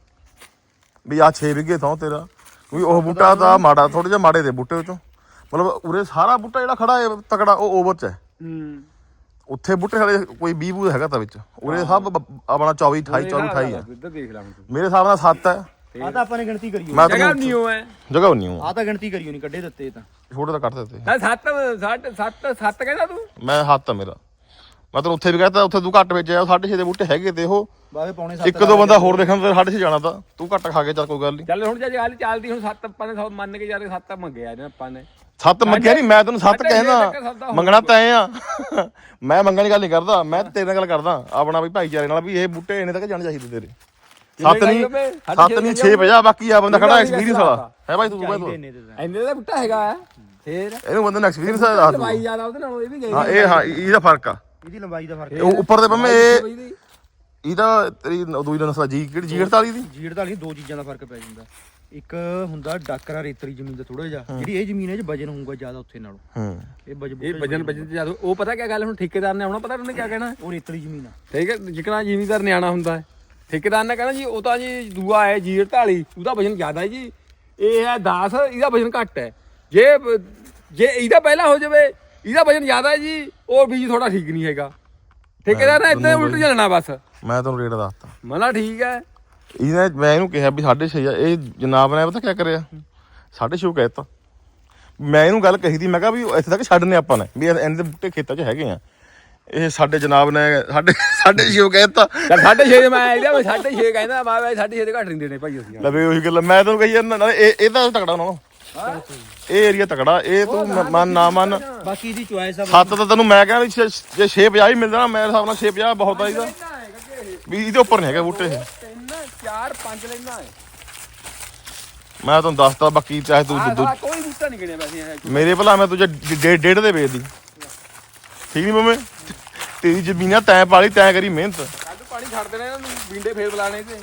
A: ਵੀ ਆ ਛੇ ਵਿਗੇ ਥਾਂ ਤੇਰਾ ਕਿਉਂਕਿ ਉਹ ਬੂਟਾ ਤਾਂ ਮਾੜਾ ਥੋੜਾ ਜਿਹਾ ਮਾੜੇ ਦੇ ਬੂਟੇ ਵਿੱਚੋਂ ਮਤਲਬ ਉਰੇ ਸਾਰਾ ਬੂਟਾ ਜਿਹੜਾ ਖੜਾ ਹੈ ਤਕੜਾ ਉਹ ਓਵਰ ਚ ਹੈ।
B: ਹੂੰ
A: ਉੱਥੇ ਬੂਟੇ ਹਲੇ ਕੋਈ ਵੀਹ ਬੂਟ ਹੈਗਾ ਤਾਂ ਵਿੱਚ ਉਰੇ ਸਭ ਬ- ਆਪਣਾ ਚੌਵੀ ਅਠਾਈ ਚੌਵੀ ਅਠਾਈ ਹੈ।
B: ਇੱਧਰ ਦੇਖ ਲਾ ਹੁਣ ਤੂੰ।
A: ਮੇਰੇ ਹਿਸਾਬ ਨਾਲ ਸੱਤ ਹੈ।
C: ਆ ਤਾਂ ਆਪਾਂ ਨੇ ਗਿਣਤੀ ਕਰੀ ਹੋਈ।
A: ਮੈਂ
B: ਜਗ੍ਹਾ
A: ਤੈਨੂੰ
B: ਨਹੀਂ ਹੋ ਹੈ
A: ਜਗ੍ਹਾ ਉਨੀ ਹੂੰ
C: ਆ ਤਾਂ ਗਿਣਤੀ ਕਰੀ ਹੋਣੀ ਕੱਢੇ ਦਿੱਤੇ ਤਾਂ।
A: ਛੋਟੇ ਤਾਂ ਕੱਟ ਦਿੱਤੇ
B: ਤਾਂ ਸੱਤ ਸੱਤ ਸੱਤ ਸੱਤ ਕਹਿੰਦਾ ਤੂੰ।
A: ਮੈਂ ਹੱਥ ਆ ਮੇਰਾ ਮੈਂ ਤੈਨੂੰ ਉੱਥੇ ਵੀ ਕਹਤਾ ਉੱਥੇ ਤੂੰ ਘੱਟ ਵਿੱਚ ਆਇਆ ਸਾਢੇ ਛੇ ਦੇ ਬੂਟੇ ਹੈਗੇ ਤੇ ਉਹ
C: ਬਾਵੇ ਪੌਣੇ ਸੱਤ
A: ਇੱਕ ਦੋ ਬੰਦਾ ਹੋਰ ਦੇਖਣ ਤੇ ਸਾਢੇ ਛੇ ਜਾਣਾ ਤਾਂ ਤੂੰ ਘੱਟ ਖਾ ਕੇ ਚੱਲ ਕੋਈ ਗੱਲ ਨਹੀਂ।
B: ਚੱਲ ਹੁਣ ਜੇ ਗੱਲ ਚੱਲਦੀ ਹੁਣ ਸੱਤ ਆਪਾਂ ਨੇ ਸੌ ਮੰਨ ਕੇ ਜਾ ਕੇ ਸੱਤ ਮੰਗਿਆ ਨੇ ਆਪਾਂ ਨੇ।
A: ਸੱਤ ਮੰਗਿਆ ਨਹੀਂ ਮੈਂ ਤੈਨੂੰ ਸੱਤ
B: ਸਾਢੇ ਛੇ ਤੱਕ
A: ਕਹਿਣਾ
B: ਸੌਦਾ
A: ਮੰਗਣਾ ਤਾਂ ਐ ਆ ਮੈਂ ਮੰਗਣ ਦੀ ਗੱਲ ਨਹੀਂ ਕਰਦਾ ਮੈਂ ਤੇਰੇ ਨਾਲ ਗੱਲ ਕਰਦਾ ਆਪਣਾ ਵੀ ਭਾਈਚਾਰੇ ਨਾਲ ਵੀ ਇਹ ਬੂਟੇ ਇੰਨੇ ਤੱਕ ਜਾਣੇ ਚਾਹੀਦੇ ਤੇਰੇ। ਸੱਤ ਨਹੀਂ ਸੱਤ ਨਹੀਂ ਛੇ ਵਜਾ ਬਾਕੀ ਆ ਬੰਦਾ ਖੜਾ ਐਕਸਪੀਰੀਅੰਸ ਵਾਲਾ ਹੈ ਭਾਈ ਤੂੰ
C: ਚਾਹੀਦੇ
A: ਤੂੰ
C: ਇੰਨੇ ਤੇ ਤਾਂ।
B: ਇੰਨੇ ਦਾ ਬੂਟਾ ਹੈਗਾ ਫੇਰ
A: ਇਹਨੂੰ ਬੰਦੇ ਨੂੰ ਐਕਸਪੀਰੀਅੰਸ ਆ ਦੱਸ
B: ਲਵਾਈ
A: ਦੂੰ।
B: ਜ਼ਿਆਦਾ ਉਹਦੇ ਨਾਲ ਇਹ ਵੀ ਗਏ
A: ਹਾਂ ਇਹ ਹਾਂ ਇਹਦਾ ਫਰਕ ਆ
C: ਇਹਦੀ ਲੰਬਾਈ ਦਾ ਫਰਕ
A: ਇਹ ਉੱਪਰ ਦੇ ਪੰਮੇ ਇਹ ਇਹਦਾ ਤੇਰੀ ਦੂਈ ਦਾ ਨਸਲਾ ਜੀ ਕਿਹੜੀ ਜੀ ਅੜਤਾਲੀ ਦੀ
C: ਜੀੜ ਦਾ ਨਹੀਂ ਦੋ ਚੀਜ਼ਾਂ ਦਾ ਫਰਕ ਪੈ ਜਾਂਦਾ। ਇੱਕ ਹੁੰਦਾ ਡਾਕਰਾ ਰੇਤਰੀ ਜ਼ਮੀਨ ਦਾ ਥੋੜਾ ਜਿਹਾ ਜਿਹੜੀ ਇਹ ਜ਼ਮੀਨ ਹੈ ਚ ਵਜਨ ਹੋਊਗਾ ਜ਼ਿਆਦਾ ਉੱਥੇ ਨਾਲੋਂ।
A: ਹੂੰ
C: ਇਹ ਵਜਨ
B: ਇਹ ਵਜਨ ਵਜਨ ਤੇ ਜ਼ਿਆਦਾ ਉਹ ਪਤਾ ਕੀ ਗੱਲ ਹੁਣ ਠੇਕੇਦਾਰ ਨੇ ਆਉਣਾ ਪਤਾ ਉਹਨੇ ਕੀ ਕਹਿਣਾ
C: ਉਹ ਰੇਤਰੀ ਜ਼ਮੀਨ ਆ।
B: ਠੀਕ ਹੈ ਜਿਕਣਾ ਜ਼ਿਮੀਦਾਰ ਨਿਆਣਾ ਹੁੰਦਾ ਹੈ ਠੇਕੇਦਾਰ ਨੇ ਕਹਿਣਾ ਜੀ ਉਹ ਤਾਂ ਜੀ ਦੂਆ ਹੈ ਜੀ ਅੜਤਾਲੀ ਉਹਦਾ ਵਜਨ ਜ਼ਿਆਦਾ ਹੈ ਜੀ ਇਹ ਹੈ ਦਸ ਇਹਦਾ ਵਜਨ ਘੱਟ ਹੈ। ਜੇ ਜੇ ਇਹਦਾ ਪਹਿਲਾਂ ਹੋ ਜਾਵੇ ਇਹਦਾ ਵਜਨ ਜ਼ਿਆਦਾ ਹੈ ਜੀ ਉਹ ਬੀਜ ਥੋੜਾ ਠੀਕ ਨਹੀਂ ਹੈਗਾ। ਠੇਕੇਦਾਰ ਨੇ ਇੱਦਾਂ ਉਲਟ ਚੱਲਣਾ ਬਸ।
A: ਮੈਂ ਤੈਨੂੰ ਰੇਟ ਦੱਸਤਾ
B: ਮਨਾ ਠੀਕ ਹੈ
A: ਇਹਨੇ ਮੈਂ ਇਹਨੂੰ ਕਿਹਾ ਵੀ ਸਾਢੇ ਛੇ ਆ ਇਹ ਜਨਾਬ ਨੇ ਪਤਾ ਕੀ ਕਰਿਆ ਸਾਢੇ ਛੇ ਕਹਿਤਾ। ਮੈਂ ਇਹਨੂੰ ਗੱਲ ਕਹੀ ਦੀ ਮੈਂ ਕਿਹਾ ਵੀ ਇੱਥੇ ਤੱਕ ਛੱਡਨੇ ਆਪਾਂ ਨੇ ਵੀ ਇਹਨਾਂ ਦੇ ਬੂਟੇ ਖੇਤਾਂ 'ਚ ਹੈਗੇ ਆ। ਇਹ ਸਾਡੇ ਜਨਾਬ ਨੇ ਸਾਢੇ ਸਾਢੇ ਛੇ ਕਹਿਤਾ।
B: ਚੱਲ ਸਾਢੇ ਛੇ ਮੈਂ ਇਹਦਾ ਮੈਂ ਸਾਢੇ ਛੇ ਕਹਿੰਦਾ ਮੈਂ ਬਾਈ ਸਾਢੇ ਛੇ ਦੇ ਘੱਟ ਨਹੀਂ ਦੇਣੇ ਭਾਈ ਅਸੀਂ।
A: ਲਵੇ ਉਹੀ ਗੱਲ ਮੈਂ ਤੈਨੂੰ ਕਹੀ ਜਾਂਦਾ ਨਾਲੇ ਇਹ ਇਹ ਤਾਂ ਤਕੜਾ ਨਾ ਇਹ ਏਰੀਆ ਤਕੜਾ ਇਹ ਤੂੰ ਮੰਨ ਨਾ ਮੰਨ
C: ਬਾਕੀ ਇਹਦੀ ਚੁਆਇਸ ਆ।
A: ਸੱਤ ਤਾਂ ਤੈਨੂੰ ਮੈਂ ਕਹਿੰਦਾ ਵੀ ਛੇ- ਜੇ ਛੇ ਪੰਜਾਹ ਹੀ ਮਿਲਦਾ ਨਾ ਮੇਰੇ ਹਿਸਾਬ ਨਾਲ ਛੇ ਪੰਜਾਹ ਬਹੁਤ ਆ ਇਹਦਾ ਵੀ ਇਹਦੇ ਉੱਪਰ ਨਹੀਂ ਹੈਗਾ ਬੂਟੇ ਇਹ।
B: ਤਿੰਨ ਚਾਰ ਪੰਜ ਲੈਣਾ ਹੈ
A: ਮੈਂ ਤੁਹਾਨੂੰ ਦੱਸਤਾ ਬਾਕੀ ਚਾਹੇ ਤੂੰ
B: ਆਹ
A: ਦੂ-
B: ਸਾਲਾ ਕੋਈ ਬੂਟਾ ਨਹੀਂ ਗਿਣਿਆ ਵੈਸੇ ਇਹ।
A: ਮੇਰੇ ਭਲਾ ਮੈਂ ਤੁਝੇ ਡੇਢ ਡੇਢ ਦੇ ਵੇਚਦੀ ਠੀਕ ਨਹੀਂ ਮੰਮੇ ਤੇਰੀ ਜ਼ਮੀਨਾਂ ਤੈਂ ਪਾਲੀ ਤੈਂ ਕਰੀ ਮਿਹਨਤ
B: ਕੱਲ ਪਾਣੀ ਛੱਡ ਦੇਣਾ ਇਹਨਾਂ ਨੂੰ ਬਿੰਡੇ ਫੇਰ ਬੁਲਾਣੇ ਤੇ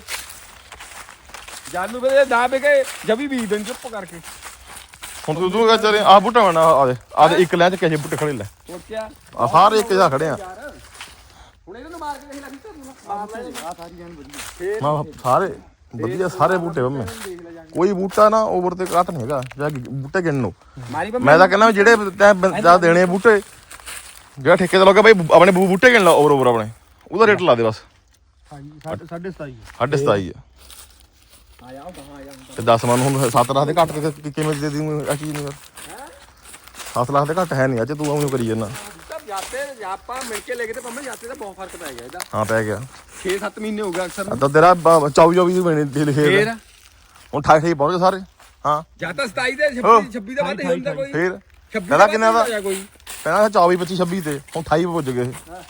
B: ਜਦ ਨੂੰ ਫਿਰ ਨਾ ਬਿਕੇ ਜਬੀ ਬੀਜ ਦੇਣ ਚੁੱਪ ਕਰਕੇ।
A: ਹੁਣ ਤੂੰ ਤੂੰ ਕਹ ਚਾਰੇ ਆ ਬੂਟਾ ਬਣਾ ਆ ਦੇ ਆ ਦੇ ਇੱਕ ਲੈ ਚ ਕਿਸੇ ਬੂਟੇ ਖੜੇ ਲੈ
B: ਸੋਚਿਆ
A: ਆ ਸਾਰੇ ਇੱਕ ਜਿਹਾ ਖੜੇ ਆ
B: ਯਾਰ ਹੁਣ ਇਹਨਾਂ ਨੂੰ ਮਾਰ ਕੇ ਦੇਖ ਲੈ ਕਿੱਥੇ ਮਾਰ ਲੈ
C: ਆ ਸਾਰੀ ਜਾਨ ਵਧੀਆ।
A: ਮੈਂ ਸਾਰੇ ਵਧੀਆ ਸਾਰੇ ਬੂਟੇ ਮੰਮੇ ਕੋਈ ਬੂਟਾ ਨਾ ਓਵਰ ਤੇ ਘੱਟ ਨਹੀਂ ਹੈਗਾ ਜਾਂ ਬੂਟੇ ਗਿਣ ਲਓ।
B: ਮਾਰੀ
A: ਮੈਂ ਤਾਂ ਕਹਿੰਦਾ ਜਿਹੜੇ ਤੈਂ ਜਾ ਦੇਣੇ ਬੂਟੇ ਜਿਹੜਾ ਠੇਕੇ ਦਾ ਲੱਗਾ ਬਈ ਆਪਣੇ ਬੂ- ਬੂਟੇ ਗਿਣ ਲਾ ਓਵਰ ਓਵਰ ਆਪਣੇ ਉਹਦਾ ਰੇਟ ਲਾ ਦੇ ਬਸ
C: ਹਾਂਜੀ ਸਾਢੇ ਸਾਢੇ ਸਤਾਈ
A: ਸਾਢੇ ਸਤਾਈ ਆ
B: ਆ ਜਾ ਕਹਾਂ ਆ ਜਾ
A: ਤੇ ਦਸ ਮਨ ਹੁਣ ਸੱਤ ਲੱਖ ਦੇ ਘੱਟ ਕੇ ਕਿ- ਕਿਵੇਂ ਦੇ ਦੀ ਆ ਚੀਜ਼ ਨੂੰ ਯਾਰ ਸੱਤ ਲੱਖ ਦੇ ਘੱਟ ਹੈ ਨਹੀਂ ਅੱਜ ਤੂੰ ਉਹਨੂੰ ਕਰੀ ਜਾਂਦਾ
B: ਤਾਂ ਜਾਤੇ ਆਪਾਂ ਮਿਲ ਕੇ ਲੈ ਕੇ ਤੇ ਪੰਮੇ ਜਾਤੇ ਦਾ ਬਹੁਤ ਫਰਕ ਪੈ ਗਿਆ ਇਹਦਾ
A: ਹਾਂ ਪੈ ਗਿਆ
B: ਛੇ ਸੱਤ ਮਹੀਨੇ ਹੋ ਗਏ ਅਕਸਰ
A: ਤਾਂ ਤੇਰਾ ਚੌਵੀ ਚੌਵੀ ਦੀ ਬਣੀ ਦੇ ਲਿਖੇ
B: ਫੇਰ
A: ਹੁਣ ਅਠਾਈ ਅਠਾਈ ਪਹੁੰਚ ਗਏ ਸਾਰੇ ਹਾਂ
B: ਜਾਂ ਤਾਂ ਸਤਾਈ ਦੇ ਛੱਬੀ ਛੱਬੀ ਦਾ ਵੱਧ ਹੁੰਦਾ ਕੋਈ
A: ਫੇਰ
B: ਛੱਬੀ
A: ਪਹਿਲਾਂ ਕਿੰਨਾ ਦਾ
B: ਹੋਇਆ ਕੋਈ
A: ਪਹਿਲਾਂ ਚੌਵੀ ਪੱਚੀ ਛੱਬੀ ਤੇ ਹੁਣ ਅਠਾਈ ਪੁੱਜ ਗਏ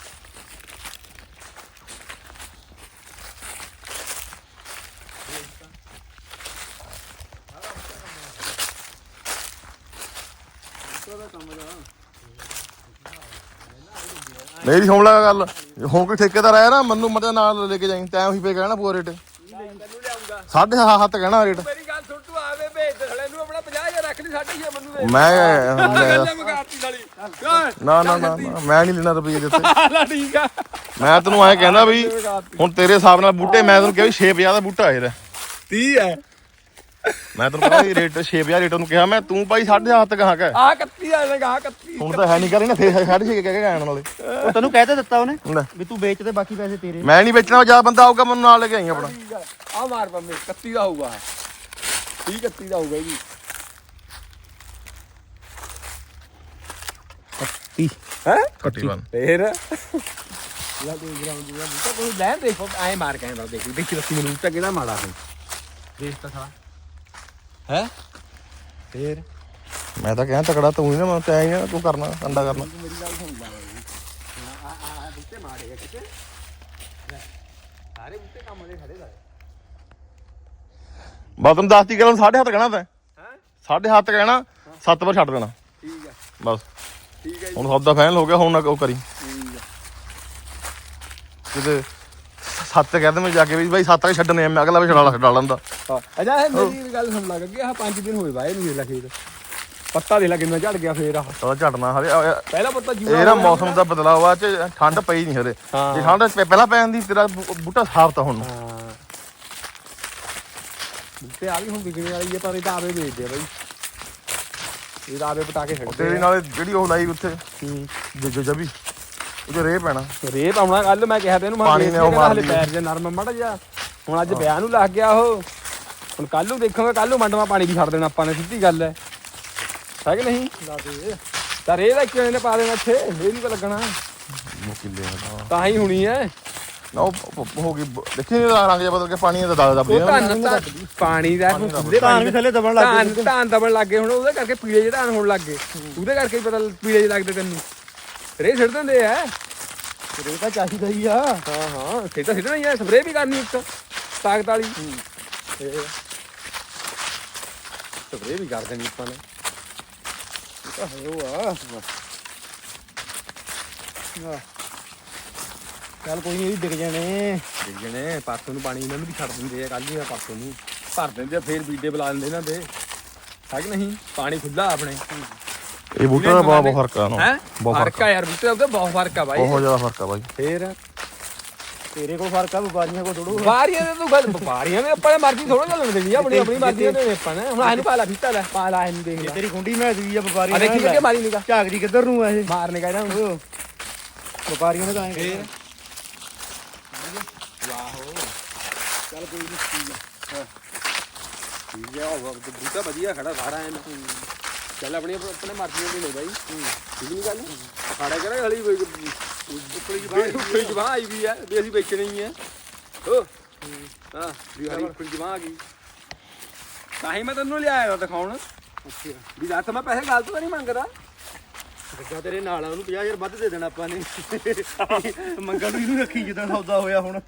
A: ਮੇਰੀ ਸੁਣ ਲੈ ਗੱਲ ਹੁਣ ਕੋਈ ਠੇਕੇਦਾਰ ਆਇਆ ਨਾ ਮੈਨੂੰ ਮਤੇ ਨਾਲ ਲੈ ਕੇ ਜਾਈਂ ਤੈਂ ਉਹੀ ਪੇ ਕਹਿਣਾ ਪੂਰਾ ਰੇਟ
B: ਤੈਨੂੰ ਲਿਆਉਂਗਾ
A: ਸਾਢੇ ਸੱਤ ਕਹਿਣਾ ਰੇਟ
B: ਮੇਰੀ ਗੱਲ ਸੁਣ ਤੂੰ ਆਵੇ ਭੇਜ ਦੇ ਹਲੇ ਨੂੰ ਆਪਣਾ ਪੰਜਾਹ ਹਜ਼ਾਰ ਰੱਖ ਲਈ ਸਾਢੇ ਛੇ ਮੈਨੂੰ ਦੇ
A: ਮੈਂ
B: ਗੱਲਾਂ ਮਗਾਤੀ ਸਾਲੀ
A: ਨਾ ਨਾ ਨਾ ਨਾ, ਮੈਂ ਨਹੀਂ ਲੈਣਾ ਰੁਪਈਏ ਦਿੱਤੇ
B: ਲਾ ਠੀਕ ਆ
A: ਮੈਂ ਤੈਨੂੰ ਐਂ ਕਹਿੰਦਾ ਵੀ ਹੁਣ ਤੇਰੇ ਹਿਸਾਬ ਨਾਲ ਬੂਟੇ ਮੈਂ ਤੈਨੂੰ ਕਿਹਾ ਵੀ ਛੇ ਪੰਜਾਹ ਦਾ ਬੂਟਾ ਇਹਦਾ
B: ਤੀਹ ਹੈ
A: ਮੈਂ ਤੈਨੂੰ ਕਹਿੰਦਾ ਵੀ ਰੇਟ ਛੇ ਪੰਜਾਹ ਰੇਟ ਉਹਨੂੰ ਕਿਹਾ ਮੈਂ ਤੂੰ ਭਾਈ ਸਾਢੇ ਸੱਤ ਕਹਾਂ ਕਹਿ
B: ਆ ਇਕੱਤੀ ਆ ਲਗਾ ਇਕੱਤੀ
A: ਹੁਣ ਤਾਂ ਹੈ ਨਹੀਂ ਕਰੀ ਨਾ ਫੇਰ ਸਾਢੇ ਛੇ ਕਹਿ ਕੇ ਆਣ ਵਾਲੇ
C: ਉਹ ਤੈਨੂੰ ਕਹਿ ਤਾਂ ਦਿੱਤਾ ਉਹਨੇ
A: ਲੈ,
C: ਵੀ ਤੂੰ ਵੇਚ ਤੇ ਬਾਕੀ ਪੈਸੇ ਤੇਰੇ
A: ਮੈਂ ਨਹੀਂ ਵੇਚਣਾ ਜਾਂ ਬੰਦਾ ਆਊਗਾ ਮੈਨੂੰ ਨਾਲ ਲੈ ਕੇ ਆਈ ਆਪਣਾ
B: ਠੀਕ ਆ ਆ ਮਾਰ ਪੰਮੇ ਇਕੱਤੀ ਦਾ ਹੋਊਗਾ ਤੀਹ ਇਕੱਤੀ ਦਾ ਹੋਊਗਾ ਜੀ
C: ਤੀਹ
B: ਹੈ
A: ਕੱਟੀ ਬਣ
B: ਫੇਰ ਯਾ ਦੇ ਗਰਾਉਂਡ ਦਾ ਬੂਟਾ ਕੋਈ ਲੈ ਦੇਖੋ ਐ ਮਾਰ ਕੇ ਆਂਦਾ ਦੇਖੀ ਦੇਖੀ ਰੱਖੀ ਮੈਨੂੰ ਤਾਂ ਕਿਹੜਾ ਮਾੜਾ ਹੈ ਦੇਖ ਤਾਂ ਸਾਲਾ ਹੈ ਫੇਰ
A: ਮੈਂ ਤਾਂ ਕਹਿਆ ਤਕੜਾ ਤੂੰ ਹੀ ਨਾ ਮੈਂ ਤੈਂ ਹੀ ਨਾ ਤੂੰ ਕਰਨਾ ਅੰਡਾ ਕਰਨਾ
B: ਮੇਰੀ ਗੱਲ ਸੁਣ ਲੈ ਆ ਆ ਬੂਟੇ ਮਾਰੇ ਆ ਕਿਤੇ ਸਾਰੇ ਬੂਟੇ ਕੰਮ ਵਾਲੇ ਖੜੇ ਦਾ
A: ਬਸ ਤੈਨੂੰ ਦੱਸਤੀ ਗੱਲ ਸਾਢੇ ਸੱਤ ਕਹਿਣਾ ਤੈਂ
B: ਹੈ
A: ਸਾਢੇ ਸੱਤ ਕਹਿਣਾ ਸੱਤ ਪਰ ਛੱਡ ਦੇਣਾ
B: ਠੀਕ ਆ
A: ਬਸ
B: ਠੀਕ ਹੈ ਜੀ
A: ਹੁਣ ਸੌਦਾ ਫਾਈਨਲ ਹੋ ਗਿਆ ਹੁਣ ਨਾ ਉਹ ਕਰੀ
B: ਠੀਕ ਆ
A: ਕਿਤੇ ਸੱਤ ਕਹਿੰਦੇ ਮੈਂ ਜਾ ਕੇ ਵੀ ਬਾਈ ਸੱਤ ਕੇ ਛੱਡਣੇ ਆ ਮੈਂ ਅਗਲਾ ਵੀ ਛਡਾ ਛਡਾ ਲੈਂਦਾ
B: ਹਾਂ ਅਜਾ ਇਹ ਮੇਰੀ ਗੱਲ ਸੁਣ ਲੱਗ ਗਿਆ ਆਹ ਪੰਜ ਦਿਨ ਹੋਏ ਬਾਏ ਨੂੰ ਵੇਖ ਲੈ ਖੇਤ ਪੱਤਾ ਦੇ ਲਾ ਕਿੰਨਾ ਝੜ ਗਿਆ ਫੇਰ ਆਹ
A: ਤਾਂ ਝੜਨਾ ਹਰੇ
B: ਪਹਿਲਾ ਪੱਤਾ ਜੂਆ
A: ਇਹ ਨਾ ਮੌਸਮ ਦਾ ਬਦਲਾਅ ਆ ਚ ਠੰਡ ਪਈ ਨਹੀਂ ਹਰੇ
B: ਹਾਂ।
A: ਜੇ ਠੰਡ ਪ- ਪਹਿਲਾਂ ਪੈ ਜਾਂਦੀ ਤੇਰਾ ਬੂ- ਬੂਟਾ ਸਾਫ਼ ਤਾਂ ਹੁਣ
B: ਹਾਂ ਬੂਟੇ ਆ ਵੀ ਹੁਣ ਵਿਕਣੇ ਵਾਲੀ ਹੈ ਪਰ ਇਹ ਤਾਂ ਆਵੇ ਵੇਚਦੇ ਆ ਬਾਈ ਇਹ ਤਾਂ ਆਵੇ ਪਟਾ ਕੇ ਛੱਡਦੇ
A: ਤੇਰੇ ਨਾਲ ਜਿਹੜੀ ਉਹ ਲਾਈ ਉੱਥੇ
B: ਹੂੰ
A: ਜੋ ਜਬੀ ਉਹ ਜੋ ਰੇ ਪੈਣਾ
B: ਰੇ ਪਾਉਣਾ ਕੱਲ ਮੈਂ ਕਿਹਾ ਤੈਨੂੰ ਮੈਂ
A: ਪਾਣੀ ਨੇ ਉਹ ਮਾਰ
B: ਹਲੇ
A: ਲਈ।
B: ਪੈਰ ਜੇ ਨਰਮ ਮੜਾ ਜਾ ਹੁਣ ਅੱਜ ਵਿਆਹ ਨੂੰ ਲੱਗ ਗਿਆ ਉਹ ਹੁਣ ਕੱਲ ਨੂੰ ਦੇਖਾਂਗੇ ਕੱਲ ਨੂੰ ਮੰਡਵਾ ਪਾਣੀ ਵੀ ਛੱਡ ਦੇਣਾ ਆਪਾਂ ਨੇ ਸਿੱਧੀ ਗੱਲ ਹੈ ਹੈ ਕਿ ਨਹੀਂ ਤਾਂ ਰੇ ਦਾ ਇੱਕ ਨੇ ਪਾ ਦੇਣਾ ਇੱਥੇ ਇਹ ਨਹੀਂ ਕੋ ਲੱਗਣਾ
A: ਮੁਕਿਲੇ
B: ਤਾਂ ਹੀ ਹੋਣੀ ਹੈ
A: ਨਾ ਉਹ ਉਹ ਹੋ ਗਈ ਬ- ਦੇਖੀ ਨੀ ਉਹਦਾ ਰੰਗ ਜਿਹਾ ਬਦਲ ਕੇ ਪਾਣੀ ਦਾ ਦਾਗ ਦੱਬ
B: ਉਹ
A: ਗਿਆ
B: ਧਾਨ ਤਾਂ ਪਾਣੀ ਦਾ ਹੁਣ ਖੁੱਲੇ
C: ਧਾਨ ਵੀ ਥੱਲੇ ਦਬਣ ਲੱਗ
B: ਧਾਨ
C: ਗਏ
B: ਧਾਨ ਦਬਣ ਲੱਗ ਗਏ ਹੁਣ ਉਹਦੇ ਕਰਕੇ ਪੀਲੇ ਜਿਹੇ ਧਾਨ ਹੋਣ ਲੱਗ ਗਏ ਉਹਦੇ ਕਰਕੇ ਹੀ ਪਤਾ ਪੀਲੇ ਜਿਹੇ ਲੱਗਦੇ ਤੈਨੂੰ ਰੇ ਛੱਡ ਦਿੰਦੇ ਆ
C: ਰੇ ਤਾਂ ਚਾਹੀਦਾ ਹੀ ਆ
B: ਹਾਂ ਹਾਂ ਸਿੱਧਾ ਸਿੱਧਾ ਨਹੀਂ ਹੈ ਸਪਰੇਅ ਵੀ ਕਰਨੀ ਇੱਕ ਤਾਕਤ ਵਾਲੀ ਸਪਰੇਅ ਵੀ ਕਰ ਦੇਣੀ ਆਪਾਂ ਨੇ ਇਹ ਤਾਂ ਹੈ ਉਹ ਆ
C: ਚੱਲ ਕੋਈ ਨਹੀਂ ਇਹ ਵੀ ਵਿਕ ਜਾਣੇ
B: ਦੇਖ ਜਣੇ ਪਾਸੋਂ ਨੂੰ ਪਾਣੀ ਇਹਨਾਂ ਨੂੰ ਵੀ ਛੱਡ ਦਿੰਦੇ ਆ ਕੱਲ ਹੀ ਪਾਸੋਂ ਨੂੰ ਭਰ ਦਿੰਦੇ ਆ ਫੇਰ ਬੀਡੇ ਬੁਲਾ ਦਿੰਦੇ ਇਹਨਾਂ ਦੇ ਹੈ ਕਿ ਨਹੀਂ ਪਾਣੀ ਖੁੱਲਾ ਆਪਣੇ
A: ਇਹ ਬੂਟੇ ਦਾ ਬਹੁਤ ਬਹੁਤ ਫਰਕ ਆ ਨਾ
B: ਹੈ
A: ਬਹੁਤ
B: ਫਰਕ ਆ ਯਾਰ ਬੂਟੇ ਦਾ ਬਹੁਤ ਫਰਕ ਆ ਬਾਈ
A: ਬਹੁਤ ਜ਼ਿਆਦਾ ਫਰਕ ਆ ਬਾਈ
B: ਫੇਰ
C: ਤੇਰੇ ਕੋਲ ਫਰਕ ਆ ਵਪਾਰੀਆਂ ਕੋਲ ਥੋੜੂ
B: ਵਪਾਰੀਆਂ ਦੇ ਤੂੰ ਗੱਲ ਵਪਾਰੀਆਂ ਨੇ ਆਪਾਂ ਨੇ ਮਰਜ਼ੀ ਥੋੜਾ ਚੱਲਣ ਦੇਣੀ ਆ ਆਪਣੀ ਆਪਣੀ ਮਰਜ਼ੀ ਦੇ ਆਪਾਂ ਨੇ ਹੁਣ ਇਹਨੂੰ ਪਾ ਲਾ ਫੀਤਾ ਲੈ ਪਾ ਲਾ ਇਹਨੂੰ ਦੇਖ
C: ਜੇ
B: ਲੈ
C: ਤੇਰੀ ਕੁੰਡੀ ਮੈਂ ਦੀ ਆ
B: ਆ
C: ਵਪਾਰੀਆਂ
B: ਦੇਖੀ ਕਿ ਮਾਰੀ ਨਿਕਾ
C: ਝਾਕਦੀ ਕਿੱਧਰ ਨੂੰ ਆ ਇਹ
B: ਮਾਰਨੇ ਕਾ ਇਹਨਾਂ ਨੂੰ
C: ਵਪਾਰੀਆਂ ਨੇ ਤਾਂ ਐਂ
B: ਫੇਰ ਵਾਹੋ ਚੱਲ ਕੋਈ ਨਹੀਂ ਠੀਕ ਆ ਠੀਕ ਆ ਉਹ ਬੂਟਾ ਵਧੀਆ ਖੜਾ ਸਾਰਾ ਐਨ ਚੱਲ ਆਪਣੀ ਆਪਣੇ ਮਰਜ਼ੀ ਦੀ ਲੈ ਬਾਈ ਠੀਕ ਨਹੀਂ ਗੱਲ ਸਾਡਾ ਕਿਹੜਾ ਹਲੀ ਕੋਈ ਉੱਪਰ ਜਵਾਨ ਉੱਪਰ ਜਵਾਨ ਆਈ ਵੀ ਹੈ ਵੀ ਅਸੀਂ ਵੇਚਣੀ ਹੀ ਹੈ ਹੋ ਹਾਂ ਵੀ ਹਲੀ ਉੱਪਰ ਜਵਾਨ ਆ ਗਈ ਤਾਂ ਹੀ ਮੈਂ ਤੈਨੂੰ ਲਿਆਇਆ ਦਿਖਾਉਣ ਅੱਛਾ ਵੀ ਲੱਤ ਮੈਂ ਪੈਸੇ ਗਲਤ ਤਾਂ ਨਹੀਂ ਮੰਗਦਾ
C: ਗੱਗਾ ਤੇਰੇ ਨਾਲ ਆ ਉਹਨੂੰ ਪੰਜਾਹ ਹਜ਼ਾਰ ਵੱਧ ਦੇ ਦੇਣਾ ਆਪਾਂ ਨੇ ਮੰਗਣ ਨੂੰ ਇਹਨੂੰ ਰੱਖੀ ਜਿੱਦਾਂ ਸੌਦਾ ਹੋਇਆ ਹੁਣ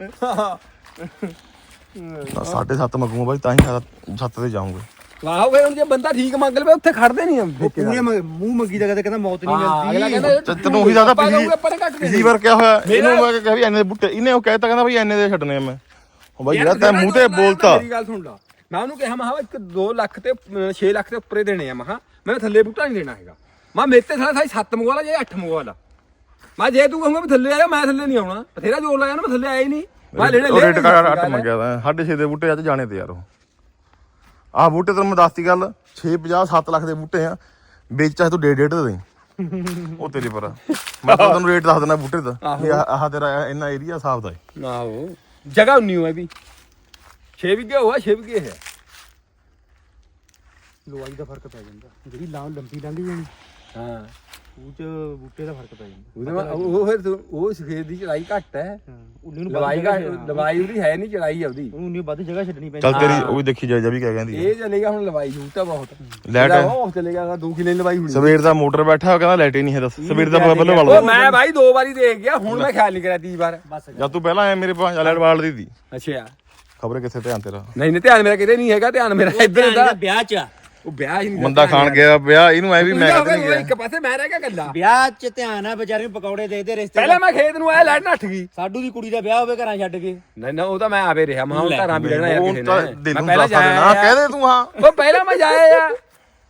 A: ਸਾਢੇ ਸੱਤ ਮੰਗੂਗਾ ਬਾਈ ਤਾਂ ਹੀ ਸੱਤ ਤੇ ਜਾਊਂਗੇ
B: ਵਾਹੋ ਫਿਰ ਹੁਣ ਜੇ ਬੰਦਾ ਠੀਕ ਮੰਗ ਲਵੇ ਉੱਥੇ ਖੜਦੇ ਨਹੀਂ
C: ਪੂਰੇ ਮੂੰਹ ਮੰਗੀ ਦਾ ਕਦੇ ਕਹਿੰਦਾ ਮੌਤ ਨਹੀਂ
B: ਅਗਲਾ
C: ਮਿਲਦੀ
B: ਕਹਿੰਦਾ
A: ਤੇ ਤੈਨੂੰ ਉਹੀ ਜ਼ਿਆਦਾ
B: ਆਪਾਂ
A: ਪਿਛਲੀ
B: ਕਹੂਗੇ ਆਪਾਂ ਨੇ ਘੱਟ ਦੇ
A: ਪਿਛਲੀ ਵਾਰ ਕਿਆ ਹੋਇਆ
B: ਮੇਰਾ-
A: ਇਹਨੂੰ ਮੈਂ ਕਿਹਾ ਵੀ ਐਨੇ ਦੇ ਬੂਟੇ ਇਹਨੇ ਉਹ ਕਹਿਤਾ ਕਹਿੰਦਾ ਬਈ ਐਨੇ ਦੇ ਛੱਡਣੇ ਆ ਮੈਂ ਉਹ ਬਾਈ
B: ਯਾਰ
A: ਜਿਹੜਾ ਤੈਂ ਮੂੰਹ ਤੇ
B: ਜਿਹੜਾ
A: ਬੋਲਤਾ
B: ਮੇਰੀ ਗੱਲ ਸੁਣ ਲਾ ਮੈਂ ਉਹਨੂੰ ਕਿਹਾ ਮੈਂ ਇੱਕ ਦੋ ਲੱਖ ਤੇ ਛੇ ਲੱਖ ਦੇ ਉੱਪਰੇ ਦੇਣੇ ਆ ਮੈਂ ਕਿਹਾ ਮੈਂ ਥੱਲੇ ਬੂਟਾ ਨਹੀਂ ਦੇਣਾ ਹੈਗਾ ਮੈਂ ਮੇਰੇ ਤੇ ਸਾਲਾ ਸਾਈ ਸੱਤ ਮੰਗਵਾ ਲਾ ਜਾਂ ਅੱਠ ਮੰਗਵਾ ਲਾ ਮੈਂ ਜੇ ਤੂੰ ਕਹੂੰਗਾ ਵੀ ਥੱਲੇ ਆਇਆ ਮੈਂ ਥੱਲੇ ਨਹੀਂ ਆਉਣਾ ਬਥੇਰਾ ਜ਼ੋਰ ਲਾਇਆ ਨਾ ਮੈਂ ਥੱਲੇ ਆਇਆ ਹੀ ਨਹੀਂ ਮੈਂ ਲੈਣੇ
A: ਉਹ
B: ਲੈ
A: ਰੇਟ ਕਰ ਅੱਠ ਮੰਗਿਆ ਤਾਂ ਸਾਢੇ ਛੇ ਦੇ ਬੂਟੇ ਅੱਜ ਜਾਣੇ ਤੇ ਯਾਰ ਉਹ ਆਹ ਬੂਟੇ ਤੈਨੂੰ ਮੈਂ ਦੱਸਤੀ ਗੱਲ ਛੇ ਪੰਜਾਹ ਸੱਤ ਲੱਖ ਦੇ ਬੂਟੇ ਆ ਵੇਚ ਚਾਹੇ ਤੂੰ ਡੇਢ ਡੇਢ ਦੇ ਦੇਈਂ ਉਹ ਤੇਰੀ ਪਰ ਮੈਂ ਤਾਂ ਤੈਨੂੰ ਰੇਟ ਦੱਸ ਦਿੰਦਾ ਬੂਟੇ ਦਾ ਵੀ ਆਹ ਆਹ ਤੇਰਾ ਇੰਨਾ ਏਰੀਆ ਸਾਫ ਦਾ ਹੈ
B: ਆਹੋ ਜਗ੍ਹਾ ਉਨੀ ਹੋਏ ਵੀ ਛੇ ਵਿਗੇ ਹੋਆ ਛੇ ਵਿਗੇ ਹੈ
C: ਲਵਾਈ ਦਾ ਫਰਕ ਪੈ ਜਾਂਦਾ ਜਿਹੜੀ ਲਾਂ ਲੰਬੀ ਲੰਘ ਜਾਣੀ
B: ਹਾਂ
C: ਉਹ ਚ ਬੂਟੇ ਦਾ ਫਰਕ ਪੈ ਜਾਂਦਾ
B: ਉਹਦੇ ਬਾਅਦ ਉਹ ਫਿਰ ਤੂੰ- ਉਹ ਸਫੇਦ ਦੀ ਚੜਾਈ ਘੱਟ ਹੈ
C: ਹਾਂ ਉੱਲੀ ਨੂੰ
B: ਲਵਾਈ ਘੱਟ ਲਵਾਈ ਉਹਦੀ ਹੈ ਨਹੀਂ ਚੜਾਈ ਆਉਦੀ
C: ਉਹਨੂੰ ਨਹੀਂ ਵੱਧ ਜਗ੍ਹਾ ਛੱਡਣੀ ਪੈਂਦੀ
A: ਚੱਲ ਤੇਰੀ ਉਹ ਵੀ ਦੇਖੀ ਜਾ ਜਾ ਵੀ ਕਿਆ ਕਹਿੰਦੀ ਹੈ।
B: ਇਹ ਚੱਲੇਗਾ ਹੁਣ ਲਵਾਈ ਜੂ ਤਾਂ ਬਹੁਤ
A: ਲੈਟ
B: ਇਹਦਾ ਉਹ ਚੱਲੇਗਾ ਦੋ ਕਿਲੇ ਲਵਾਈ ਹੋਣੀ
A: ਸਵੇਰ ਦਾ ਮੋਟਰ ਬੈਠਾ ਉਹ ਕਹਿੰਦਾ ਲਾਈਟ ਹੀ ਨਹੀਂ ਹੈ ਦੱਸ ਸਵੇਰ ਦਾ ਬੱਲੋ
B: ਉਹ
A: ਵਾਲ
B: ਮੈਂ ਭਾਈ ਦੋ ਵਾਰੀ ਦੇਖ ਗਿਆ ਹੁਣ ਮੈਂ ਖਿਆਲ ਨਹੀਂ ਕਰਿਆ ਤੀਜੀ ਵਾਰ
C: ਬਸ
A: ਜਦ ਤੂੰ ਪਹਿਲਾਂ ਆਇਆ ਮੇਰੇ ਪਾਸ ਲਾਈਟ ਵਾਲ ਦੀ ਦੀ
B: ਅੱਛਾ
A: ਖਬਰ ਕਿੱਥੇ ਧਿਆਨ ਤੇਰਾ
B: ਨਹੀਂ ਨਹੀਂ ਧਿਆਨ ਮੇਰਾ ਕਿਤੇ ਨਹੀਂ ਹੈਗਾ ਧਿਆਨ ਮੇਰਾ ਇੱਧਰ ਦਾ
C: ਵਿਆਹ ਚ
B: ਉਹ ਵਿਆਹ ਹੀ ਨਹੀਂ
A: ਬੰਦਾ ਖਾਣ ਗਿਆ ਵਿਆਹ ਇਹਨੂੰ ਐ ਵੀ ਮੈਂ
B: ਮੈਂ
A: ਕਦੇ ਨਹੀਂ ਗਿਆ
B: ਇੱਕ ਪਾਸੇ ਮੈਂ ਰਹਿ ਗਿਆ ਗੱਲਾਂ
C: ਵਿਆਹ ਚ ਧਿਆਨ ਆ ਵਿਚਾਰੇ ਨੂੰ ਪਕੌੜੇ ਦੇ ਦੇ ਰਿਸ਼ਤੇ
B: ਪਹਿਲਾਂ ਮੈਂ ਖੇਤ ਨੂੰ ਆਇਆ ਲਾਈਟ ਨੱਠ ਗਈ
C: ਸਾਡੂ ਦੀ ਕੁੜੀ ਦਾ ਵਿਆਹ ਹੋਵੇ ਘਰਾਂ ਛੱਡ ਕੇ
B: ਨਹੀਂ ਨਾ ਉਹ ਤਾਂ ਮੈਂ ਆਵੇ ਰਿਹਾ ਮੈਂ ਹੁਣ ਘਰਾਂ ਵੀ ਰਹਿਣਾ ਯਾਰ ਕਿਸੇ
A: ਉਹ ਤਾਂ
B: ਨੇ
A: ਦਿਲ
B: ਮੈਂ
A: ਨੂੰ
B: ਪਹਿਲਾਂ
A: ਦੱਸ ਦੇਣਾ
B: ਜਾਇਆ
A: ਕਹਿ ਦੇ ਤੂੰ ਹਾਂ
B: ਉਹ ਪਹਿਲਾਂ ਮੈਂ ਜਾਇਆ ਆ